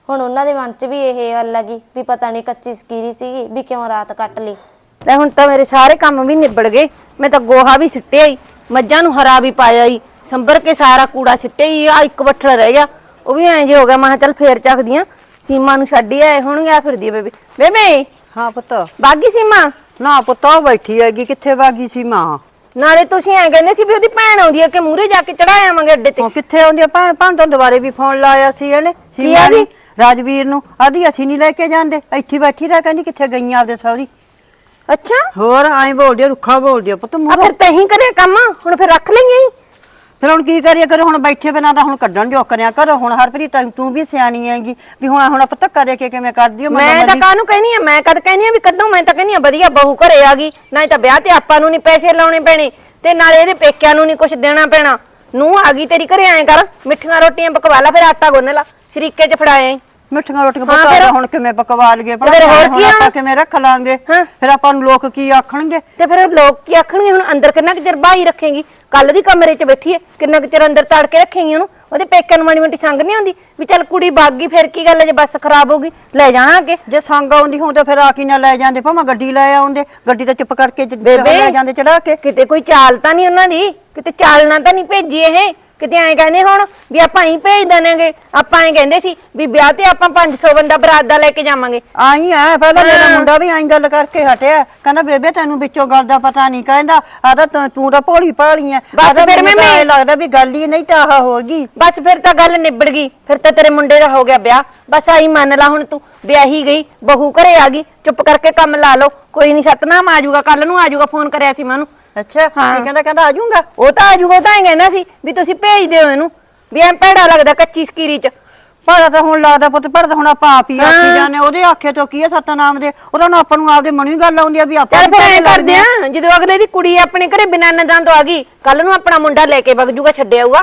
S2: ਹੁਣ ਉਹਨਾਂ ਦੇ ਮਨ 'ਚ ਵੀ ਇਹ ਗੱਲ ਲੱਗੀ ਵੀ ਪਤਾ ਨਹੀਂ ਕੱਚੀ ਸਕੀਰੀ ਸੀਗੀ ਵੀ ਕਿਉਂ ਰਾਤ ਕੱਟ ਲਈ।
S3: ਲੈ ਹੁਣ ਤਾਂ ਮੇਰੇ ਸਾਰੇ ਕੰਮ ਵੀ ਨਿਬੜ ਗਏ। ਮੈਂ ਤਾਂ ਗੋਹਾ ਵੀ ਸਿੱਟਿਆ ਹੀ, ਮੱਝਾਂ ਨੂੰ ਹਰਾ ਵੀ ਪਾਇਆ ਹੀ, ਸੰਭਰ ਕੇ ਸਾਰਾ ਕੂੜਾ ਸਿੱਟਿਆ ਹੀ। ਆ ਇੱਕ ਬੱਠਲ ਰਹਿ ਗਿਆ, ਉਹ ਵੀ ਐਂ ਜੇ ਹੋ ਗਿਆ। ਮੈਂ ਕਿਹਾ ਚੱਲ ਫੇਰ ਚੱਕਦੀਆਂ, ਸੀਮਾ ਨੂੰ ਛੱਡ ਹੀ ਆਏ ਹੋਣਗੇ। ਆ ਫਿਰਦੀ ਆ ਬੇਬੇ। ਬੇਬੇ
S1: ਹਾਂ ਪੁੱਤ।
S3: ਬਾਗੀ ਸੀਮਾ?
S1: ਨਾ ਪੁੱਤ ਉਹ ਬੈਠੀ ਹੈਗੀ, ਕਿੱਥੇ ਬਾਗੀ ਸੀ ਮਾਂ?
S3: ਨਾਲੇ ਤੁਸੀਂ ਐਂ ਕਹਿੰਦੇ ਸੀ ਵੀ ਉਹਦੀ ਭੈਣ ਆਉਂਦੀ ਹੈ ਕਿ ਮੂਹਰੇ ਜਾ ਕੇ ਚੜਾਇਆ ਆਵਾਂਗੇ ਅੱਡੇ ਤੇ।
S1: ਉਹ ਕਿੱਥੇ ਆਉਂਦੀ ਆ ਭੈਣ? ਭੈਣ ਤਾਂ ਦੁਬਾਰੇ ਵੀ ਫੋਨ ਲਾਇਆ ਸੀ ਇਹਨੇ ਸੀਮਾ ਨੇ, ਰਾਜਵੀਰ ਨੂੰ। ਆਦੀ ਅਸੀਂ ਨਹੀਂ ਲੈ ਕੇ ਜਾਂਦੇ, ਇੱਥੇ ਬੈਠੀ ਰਹਿ, ਕਹਿੰਦੀ ਕਿੱਥੇ ਗਈਆਂ ਆਪਦੇ ਸਹੁਰੀ।
S3: ਅੱਛਾ,
S1: ਹੋਰ ਐਂ ਬੋਲਦੀ ਆ, ਰੁੱਖਾ ਬੋਲਦੀ ਆ ਪੁੱਤ
S3: ਆ
S1: ਮੂੰਹੋਂ।
S3: ਫਿਰ ਤਹੀਂ ਕਰਿਆ ਕੰਮ, ਹੁਣ ਫਿਰ ਰੱਖ ਲਈਏ।
S1: ਫਿਰ ਹੁਣ ਕੀ ਕਰੀਏ? ਕਰੋ ਹੁਣ ਬੈਠੇ ਬਿਨਾਂ ਤਾਂ ਹੁਣ ਕੱਢਣ ਜੋ ਕਰਿਆ ਕਰੋ। ਹੁਣ ਹਰਪ੍ਰੀਤ ਤੂੰ ਵੀ ਸਿਆਣੀ ਹੈਗੀ ਵੀ ਹੁਣ ਹੁਣ ਆਪਾਂ ਧੱਕਾ ਦੇ ਕੇ ਕਿਵੇਂ ਕਰਦੀ ਓ?
S3: ਮੈਂ ਤਾਂ ਕਾਹਨੂੰ ਕਹਿਨੀ ਆ, ਮੈਂ ਕਦ ਕਹਿਨੀ ਆ ਵੀ ਕੱਢੋ? ਮੈਂ ਤਾਂ ਕਹਿਨੀ ਆ ਵਧੀਆ ਬਹੂ ਘਰੇ ਆ ਗਈ, ਨਾ ਤਾਂ ਵਿਆਹ ਤੇ ਆਪਾਂ ਨੂੰ ਨਹੀਂ ਪੈਸੇ ਲਾਉਣੇ ਪੈਣੇ ਤੇ ਨਾਲੇ ਇਹਦੇ ਪੇਕਿਆਂ ਨੂੰ ਨਹੀਂ ਕੁਝ ਦੇਣਾ ਪੈਣਾ। ਨੂੰ ਆ ਗਈ ਤੇਰੀ ਘਰੇ, ਐਂ ਕਰ ਮਿੱਠੀਆਂ ਰੋਟੀਆਂ ਪਕਵਾ ਲਾ, ਫਿਰ ਆਟਾ ਗੁੰਨ ਲਾ, ਸ਼ਰੀਕੇ 'ਚ ਫੜਾਏ।
S1: ਮਿੱਠੀਆਂ ਰੋਟੀਆਂ ਪਕਾ ਹੁਣ ਕਿਵੇਂ ਪਕਵਾ ਲਈਏ?
S3: ਫਿਰ ਹੋਰ ਕੀ
S1: ਆਪਾਂ ਕਿਵੇਂ ਰੱਖ ਲਾਂਗੇ? ਫਿਰ ਆਪਾਂ ਨੂੰ ਲੋਕ ਕੀ ਆਖਣਗੇ?
S3: ਤੇ ਫਿਰ ਲੋਕ ਕੀ ਆਖਣਗੇ? ਹੁਣ ਅੰਦਰ ਕਿੰਨਾ ਕੁ ਚਿਰ ਬਾਹੀ ਰੱਖੇਗੀ? ਕੱਲ ਦੀ ਕਮਰੇ 'ਚ ਬੈਠੀ ਐ, ਕਿੰਨਾ ਕੁ ਚਿਰ ਅੰਦਰ ਤੜ ਕੇ ਰੱਖੇਗੀ ਉਹਨੂੰ? ਉਹਦੇ ਪੇਕਿਆਂ ਨੂੰ ਮਾੜੀ ਮੋਟੀ ਸੰਗ ਨਹੀਂ ਆਉਂਦੀ ਵੀ ਚੱਲ ਕੁੜੀ ਭੱਗ ਗਈ ਫਿਰ ਕੀ ਗੱਲ ਜੇ ਬੱਸ ਖਰਾਬ ਹੋ ਗਈ ਲੈ ਜਾਣਾ ਅੱਗੇ?
S1: ਜੇ ਸੰਗ ਆਉਂਦੀ ਹੋਂ ਤਾਂ ਫਿਰ ਆ ਕੀ ਨਾ ਲੈ ਜਾਂਦੇ, ਭਾਵੇਂ ਗੱਡੀ ਲੈ ਆਉਂਦੇ। ਗੱਡੀ ਤਾਂ ਚੁੱਪ ਕਰਕੇ ਲੈ ਜਾਂਦੇ ਚੜਾ ਕੇ।
S3: ਕਿਤੇ ਕੋਈ ਚਾਲ ਤਾਂ ਨਹੀਂ ਉਹਨਾਂ ਦੀ? ਕਿਤੇ ਚਾਲਣਾ ਤਾਂ ਨਹੀਂ ਭੇਜੀ ਇਹ? ਕਿਤੇ ਐਂ ਕਹਿੰਦੇ ਹੁਣ ਵੀ ਆਪਾਂ ਹੀ ਭੇਜ ਦੇਣਗੇ? ਆਪਾਂ ਐਂ ਕਹਿੰਦੇ ਸੀ ਵੀ ਵਿਆਹ ਤੇ ਆਪਾਂ ਪੰਜ ਸੌ ਬੰਦਾ ਬਰਾਤ ਦਾ ਲੈ ਕੇ ਜਾਵਾਂਗੇ।
S1: ਆਈ ਐ ਪਹਿਲਾਂ ਮੇਰਾ ਮੁੰਡਾ ਵੀ ਐਂ ਗੱਲ ਕਰਕੇ ਹਟਿਆ, ਕਹਿੰਦਾ ਬੇਬੇ ਤੈਨੂੰ ਵਿੱਚੋਂ ਗੱਲ ਦਾ ਪਤਾ ਨਹੀਂ। ਕਹਿੰਦਾ ਆਦਾ ਤੂੰ ਤਾਂ ਭੋਲੀ ਭਾਲੀ ਐ।
S3: ਬਸ ਫਿਰ ਮੈਂ
S1: ਲੱਗਦਾ ਵੀ ਗੱਲ ਹੀ ਨਹੀਂ ਤਾਂ ਆਹ ਹੋਗੀ।
S3: ਬਸ ਫਿਰ ਤਾਂ ਗੱਲ ਨਿਬੜ ਗਈ, ਫਿਰ ਤਾਂ ਤੇਰੇ ਮੁੰਡੇ ਦਾ ਹੋ ਗਿਆ ਵਿਆਹ। ਬਸ ਆਈ ਮੰਨ ਲਾ ਹੁਣ ਤੂੰ ਵਿਆਹੀ ਗਈ, ਬਹੂ ਘਰੇ ਆ ਗਈ, ਚੁੱਪ ਕਰਕੇ ਕੰਮ ਲਾ ਲਓ। ਕੋਈ ਨਹੀਂ ਸਤਨਾਮ ਆ ਜਾਊਗਾ, ਕੱਲ ਨੂੰ ਆ ਜਾਊਗਾ। ਫੋਨ ਕਰਿਆ ਸੀ ਮੈਂ ਉਹਨੂੰ।
S1: ਅੱਛਾ ਕੀ ਕਹਿੰਦਾ? ਕਹਿੰਦਾ ਆ ਜਾਊਗਾ।
S3: ਉਹ ਤਾਂ ਆ ਜਾਊਗਾ, ਉਹ ਤਾਂ ਐਂ ਕਹਿੰਦਾ ਸੀ ਵੀ ਤੁਸੀਂ ਭੇਜ ਦਿਓ ਇਹਨੂੰ, ਵੀ ਐਂ ਭੈੜਾ ਲੱਗਦਾ ਕੱਚੀ ਸਕੀਰੀ 'ਚ।
S1: ਭਾੜਾ ਤਾਂ ਹੁਣ ਲੱਗਦਾ ਪੁੱਤ, ਭਾੜਾ ਤਾਂ ਹੁਣ ਆਪਾਂ ਆਪ ਹੀ ਆਖੀ ਜਾਂਦੇ। ਉਹਦੇ ਆਖੇ ਤੋਂ ਕੀ ਹੈ ਸਤਨਾਮ ਦੇ? ਉਹਦਾ ਨੂੰ ਆਪਾਂ ਨੂੰ ਆਪਦੇ ਮਨ ਵੀ ਗੱਲ ਆਉਂਦੀ ਆ ਵੀ ਆਪਾਂ
S3: ਚੱਲ ਫਿਰ ਐਂ ਕਰਦੇ ਆ, ਜਦੋਂ ਅਗਲੇ ਦੀ ਕੁੜੀ ਆਪਣੇ ਘਰੇ ਬਿਨਾਂ ਨਜ਼ਾਂ ਤੋਂ ਆ ਗਈ, ਕੱਲ ਨੂੰ ਆਪਣਾ ਮੁੰਡਾ ਲੈ ਕੇ ਵਗ ਜੂਗਾ, ਛੱਡ ਆਊਗਾ।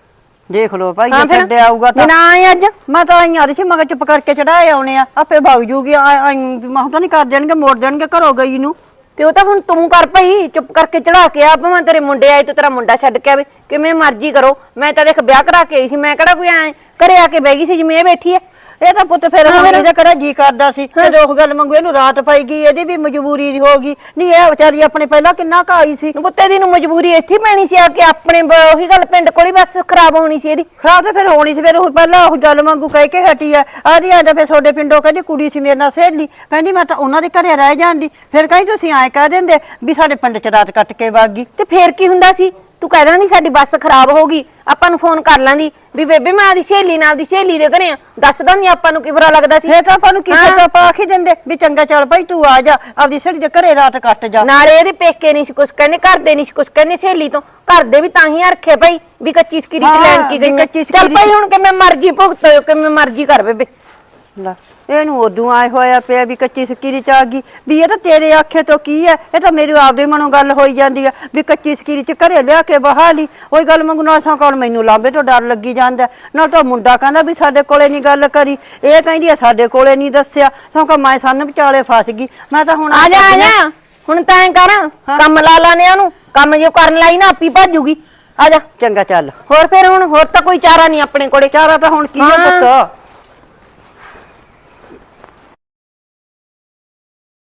S1: ਦੇਖ ਲੋ ਭਾਈ, ਜੇ ਛੱਡਿਆ ਆਊਗਾ ਤਾਂ
S3: ਨਾ ਆਏ ਅੱਜ।
S1: ਮੈਂ ਤਾਂ ਆਈ ਆ ਰਹੀ ਸੀ, ਮੈਂ ਚੁੱਪ ਕਰਕੇ ਚੜਾਏ ਆਉਣੇ ਆ, ਆਪੇ ਵਗ ਜੂਗੀ। ਮੈਂ ਤਾਂ ਨਹੀਂ ਕਰ ਦੇਣਗੇ, ਮੋੜ ਦੇਣਗੇ ਘਰੋਂ ਗਈ ਨੂੰ।
S3: ਤੇ ਉਹ ਤਾਂ ਹੁਣ ਤੂੰ ਕਰ ਪਈ, ਚੁੱਪ ਕਰਕੇ ਚੜਾ ਕੇ ਆ। ਭਾਵੇਂ ਤੇਰੇ ਮੁੰਡੇ ਆਏ ਤੇ ਤੇਰਾ ਮੁੰਡਾ ਛੱਡ ਕੇ ਆਵੇ, ਕਿਵੇਂ ਮਰਜ਼ੀ ਕਰੋ। ਮੈਂ ਤਾਂ ਦੇਖ ਵਿਆਹ ਕਰਾ ਕੇ ਆਈ ਸੀ, ਮੈਂ ਕਿਹੜਾ ਕੋਈ ਐ ਘਰੇ ਆ ਕੇ ਬਹਿ ਗਈ ਸੀ ਜਿਵੇਂ ਇਹ ਬੈਠੀ ਐ।
S1: ਇਹ ਤਾਂ ਪੁੱਤ ਫਿਰ ਇਹਦਾ ਕਿਹੜਾ ਜੀ ਕਰਦਾ ਸੀ ਜਦੋਂ ਉਹ ਗੱਲ ਮੰਗੂ? ਇਹਨੂੰ ਰਾਤ ਪਾਈ ਗਈ, ਇਹਦੀ ਵੀ ਮਜਬੂਰੀ ਹੋ ਗਈ। ਨਹੀਂ ਇਹ ਵਿਚਾਰੀ ਆਪਣੇ ਪਹਿਲਾਂ ਕਿੰਨਾ ਕਾਈ ਸੀ।
S3: ਪੁੱਤੇ ਦੀ ਨੂੰ ਮਜਬੂਰੀ ਇੱਥੇ ਪੈਣੀ ਸੀ ਆ ਕੇ, ਆਪਣੇ ਉਹੀ ਗੱਲ ਪਿੰਡ ਕੋਲ ਹੀ ਬਸ ਖਰਾਬ ਹੋਣੀ ਸੀ ਇਹਦੀ।
S1: ਖਰਾਬ ਤਾਂ ਫਿਰ ਹੋਣੀ ਸੀ। ਫਿਰ ਉਹ ਪਹਿਲਾਂ ਉਹ ਗੱਲ ਮੰਗੂ ਕਹਿ ਕੇ ਹਟੀ ਆ। ਆਦੀ ਆਂਦਾ ਫਿਰ ਤੁਹਾਡੇ ਪਿੰਡੋਂ ਕਹਿੰਦੀ ਕੁੜੀ ਸੀ ਮੇਰੇ ਨਾਲ ਸਹੇਲੀ, ਕਹਿੰਦੀ ਮੈਂ ਤਾਂ ਉਹਨਾਂ ਦੇ ਘਰੇ ਰਹਿ ਜਾਂਦੀ। ਫਿਰ ਕਹਿੰਦੀ ਤੁਸੀਂ ਐਂ ਕਹਿ ਦਿੰਦੇ ਵੀ ਸਾਡੇ ਪਿੰਡ 'ਚ ਰਾਤ ਕੱਟ ਕੇ ਵਗ ਗਈ।
S3: ਤੇ ਫੇਰ ਕੀ ਹੁੰਦਾ ਸੀ? ਤੂੰ ਕਹਿ ਦਿੰਦੀ ਸਾਡੀ ਬੱਸ ਖਰਾਬ ਹੋ ਗਈ, ਆਪਾਂ ਨੂੰ ਫੋਨ ਕਰ ਲੈਂਦੀ ਵੀ ਬੇਬੇ ਮੈਂ ਆਦੀ ਸਹੇਲੀ ਨਾਲ ਦੀ ਸਹੇਲੀ ਦੇ ਘਰੇ ਆ। ਦੱਸਦਾ ਨਹੀਂ ਆਪਾਂ ਨੂੰ ਕੀ ਬੁਰਾ ਲੱਗਦਾ ਸੀ?
S1: ਫੇਰ ਤਾਂ ਆਪਾਂ ਨੂੰ ਕਿਸੇ ਤੋਂ ਆਪਾਂ ਆਖੀ ਦਿੰਦੇ ਵੀ ਚੰਗਾ ਚੱਲ ਭਾਈ ਤੂੰ ਆ ਜਾ, ਆਪਦੀ ਸਹੇਲੀ ਦੇ ਘਰੇ ਰਾਤ ਕੱਟ ਜਾ।
S3: ਨਾਲੇ ਇਹਦੇ ਪੇਕੇ ਨਹੀਂ ਸੀ ਕੁਛ ਕਹਿੰਦੇ, ਘਰ ਦੇ ਨਹੀਂ ਸੀ ਕੁਛ ਕਹਿੰਦੇ ਸਹੇਲੀ ਤੋਂ। ਘਰ ਦੇ ਵੀ ਤਾਂ ਹੀ ਰੱਖੇ ਭਾਈ ਵੀ ਕੱਚੀ ਸਕੀਰੀ ਚ ਲੈਣ ਕੀ ਗਈ। ਚੱਲ ਭਾਈ ਹੁਣ ਕਿਵੇਂ ਮਰਜ਼ੀ ਭੁਗਤੋ, ਕਿਵੇਂ ਮਰਜ਼ੀ ਕਰ ਬੇਬੇ।
S1: ਇਹਨੂੰ ਉਦੋਂ ਆਏ ਹੋਇਆ ਪਿਆ ਵੀ ਕੱਚੀ ਸਕੀਰੀ ਚ ਆ ਗਈ। ਵੀ ਇਹ ਤਾਂ ਤੇਰੇ ਆਖੇ ਤੋਂ ਕੀ ਹੈ? ਇਹ ਤਾਂ ਮੇਰੇ ਆਪਦੇ ਮਨੋਂ ਗੱਲ ਹੋਈ ਜਾਂਦੀ ਆ ਵੀ ਕੱਚੀ ਸਕੀਰੀ ਚ ਘਰੇ ਲਿਆ ਕੇ ਬਹਾ ਲਈ। ਉਹੀ ਗੱਲ ਮੰਗੂ ਨਾਲ ਸਾਂ ਕੋਲ ਮੈਨੂੰ ਲਾਂਬੇ ਤੋਂ ਡਰ ਲੱਗੀ ਜਾਂਦਾ। ਨਾ ਤਾਂ ਮੁੰਡਾ ਕਹਿੰਦਾ ਵੀ ਸਾਡੇ ਕੋਲੇ ਨਹੀਂ ਗੱਲ ਕਰੀ, ਇਹ ਕਹਿੰਦੀ ਆ ਸਾਡੇ ਕੋਲੇ ਨਹੀਂ ਦੱਸਿਆ। ਕਿਉਂਕਿ ਮੈਂ ਸੰਨ ਵਿਚਾਲੇ ਫਸ ਗਈ। ਮੈਂ ਤਾਂ ਹੁਣ
S3: ਆ ਜਾ ਆ ਜਾ, ਹੁਣ ਤਾਂ ਐਂ ਕਰ ਕੰਮ ਲਾ ਲਾਨੇ ਉਹਨੂੰ। ਕੰਮ ਜੇ ਕਰਨ ਲਾਈ ਨਾ ਆਪੀ ਭੱਜੂਗੀ। ਆ ਜਾ
S1: ਚੰਗਾ ਚੱਲ।
S3: ਹੋਰ ਫਿਰ ਹੁਣ ਹੋਰ ਤਾਂ ਕੋਈ ਚਾਰਾ ਨਹੀਂ ਆਪਣੇ ਕੋਲੇ।
S1: ਚਾਰਾ ਤਾਂ ਹੁਣ ਕੀ ਹੈ ਪੁੱਤ?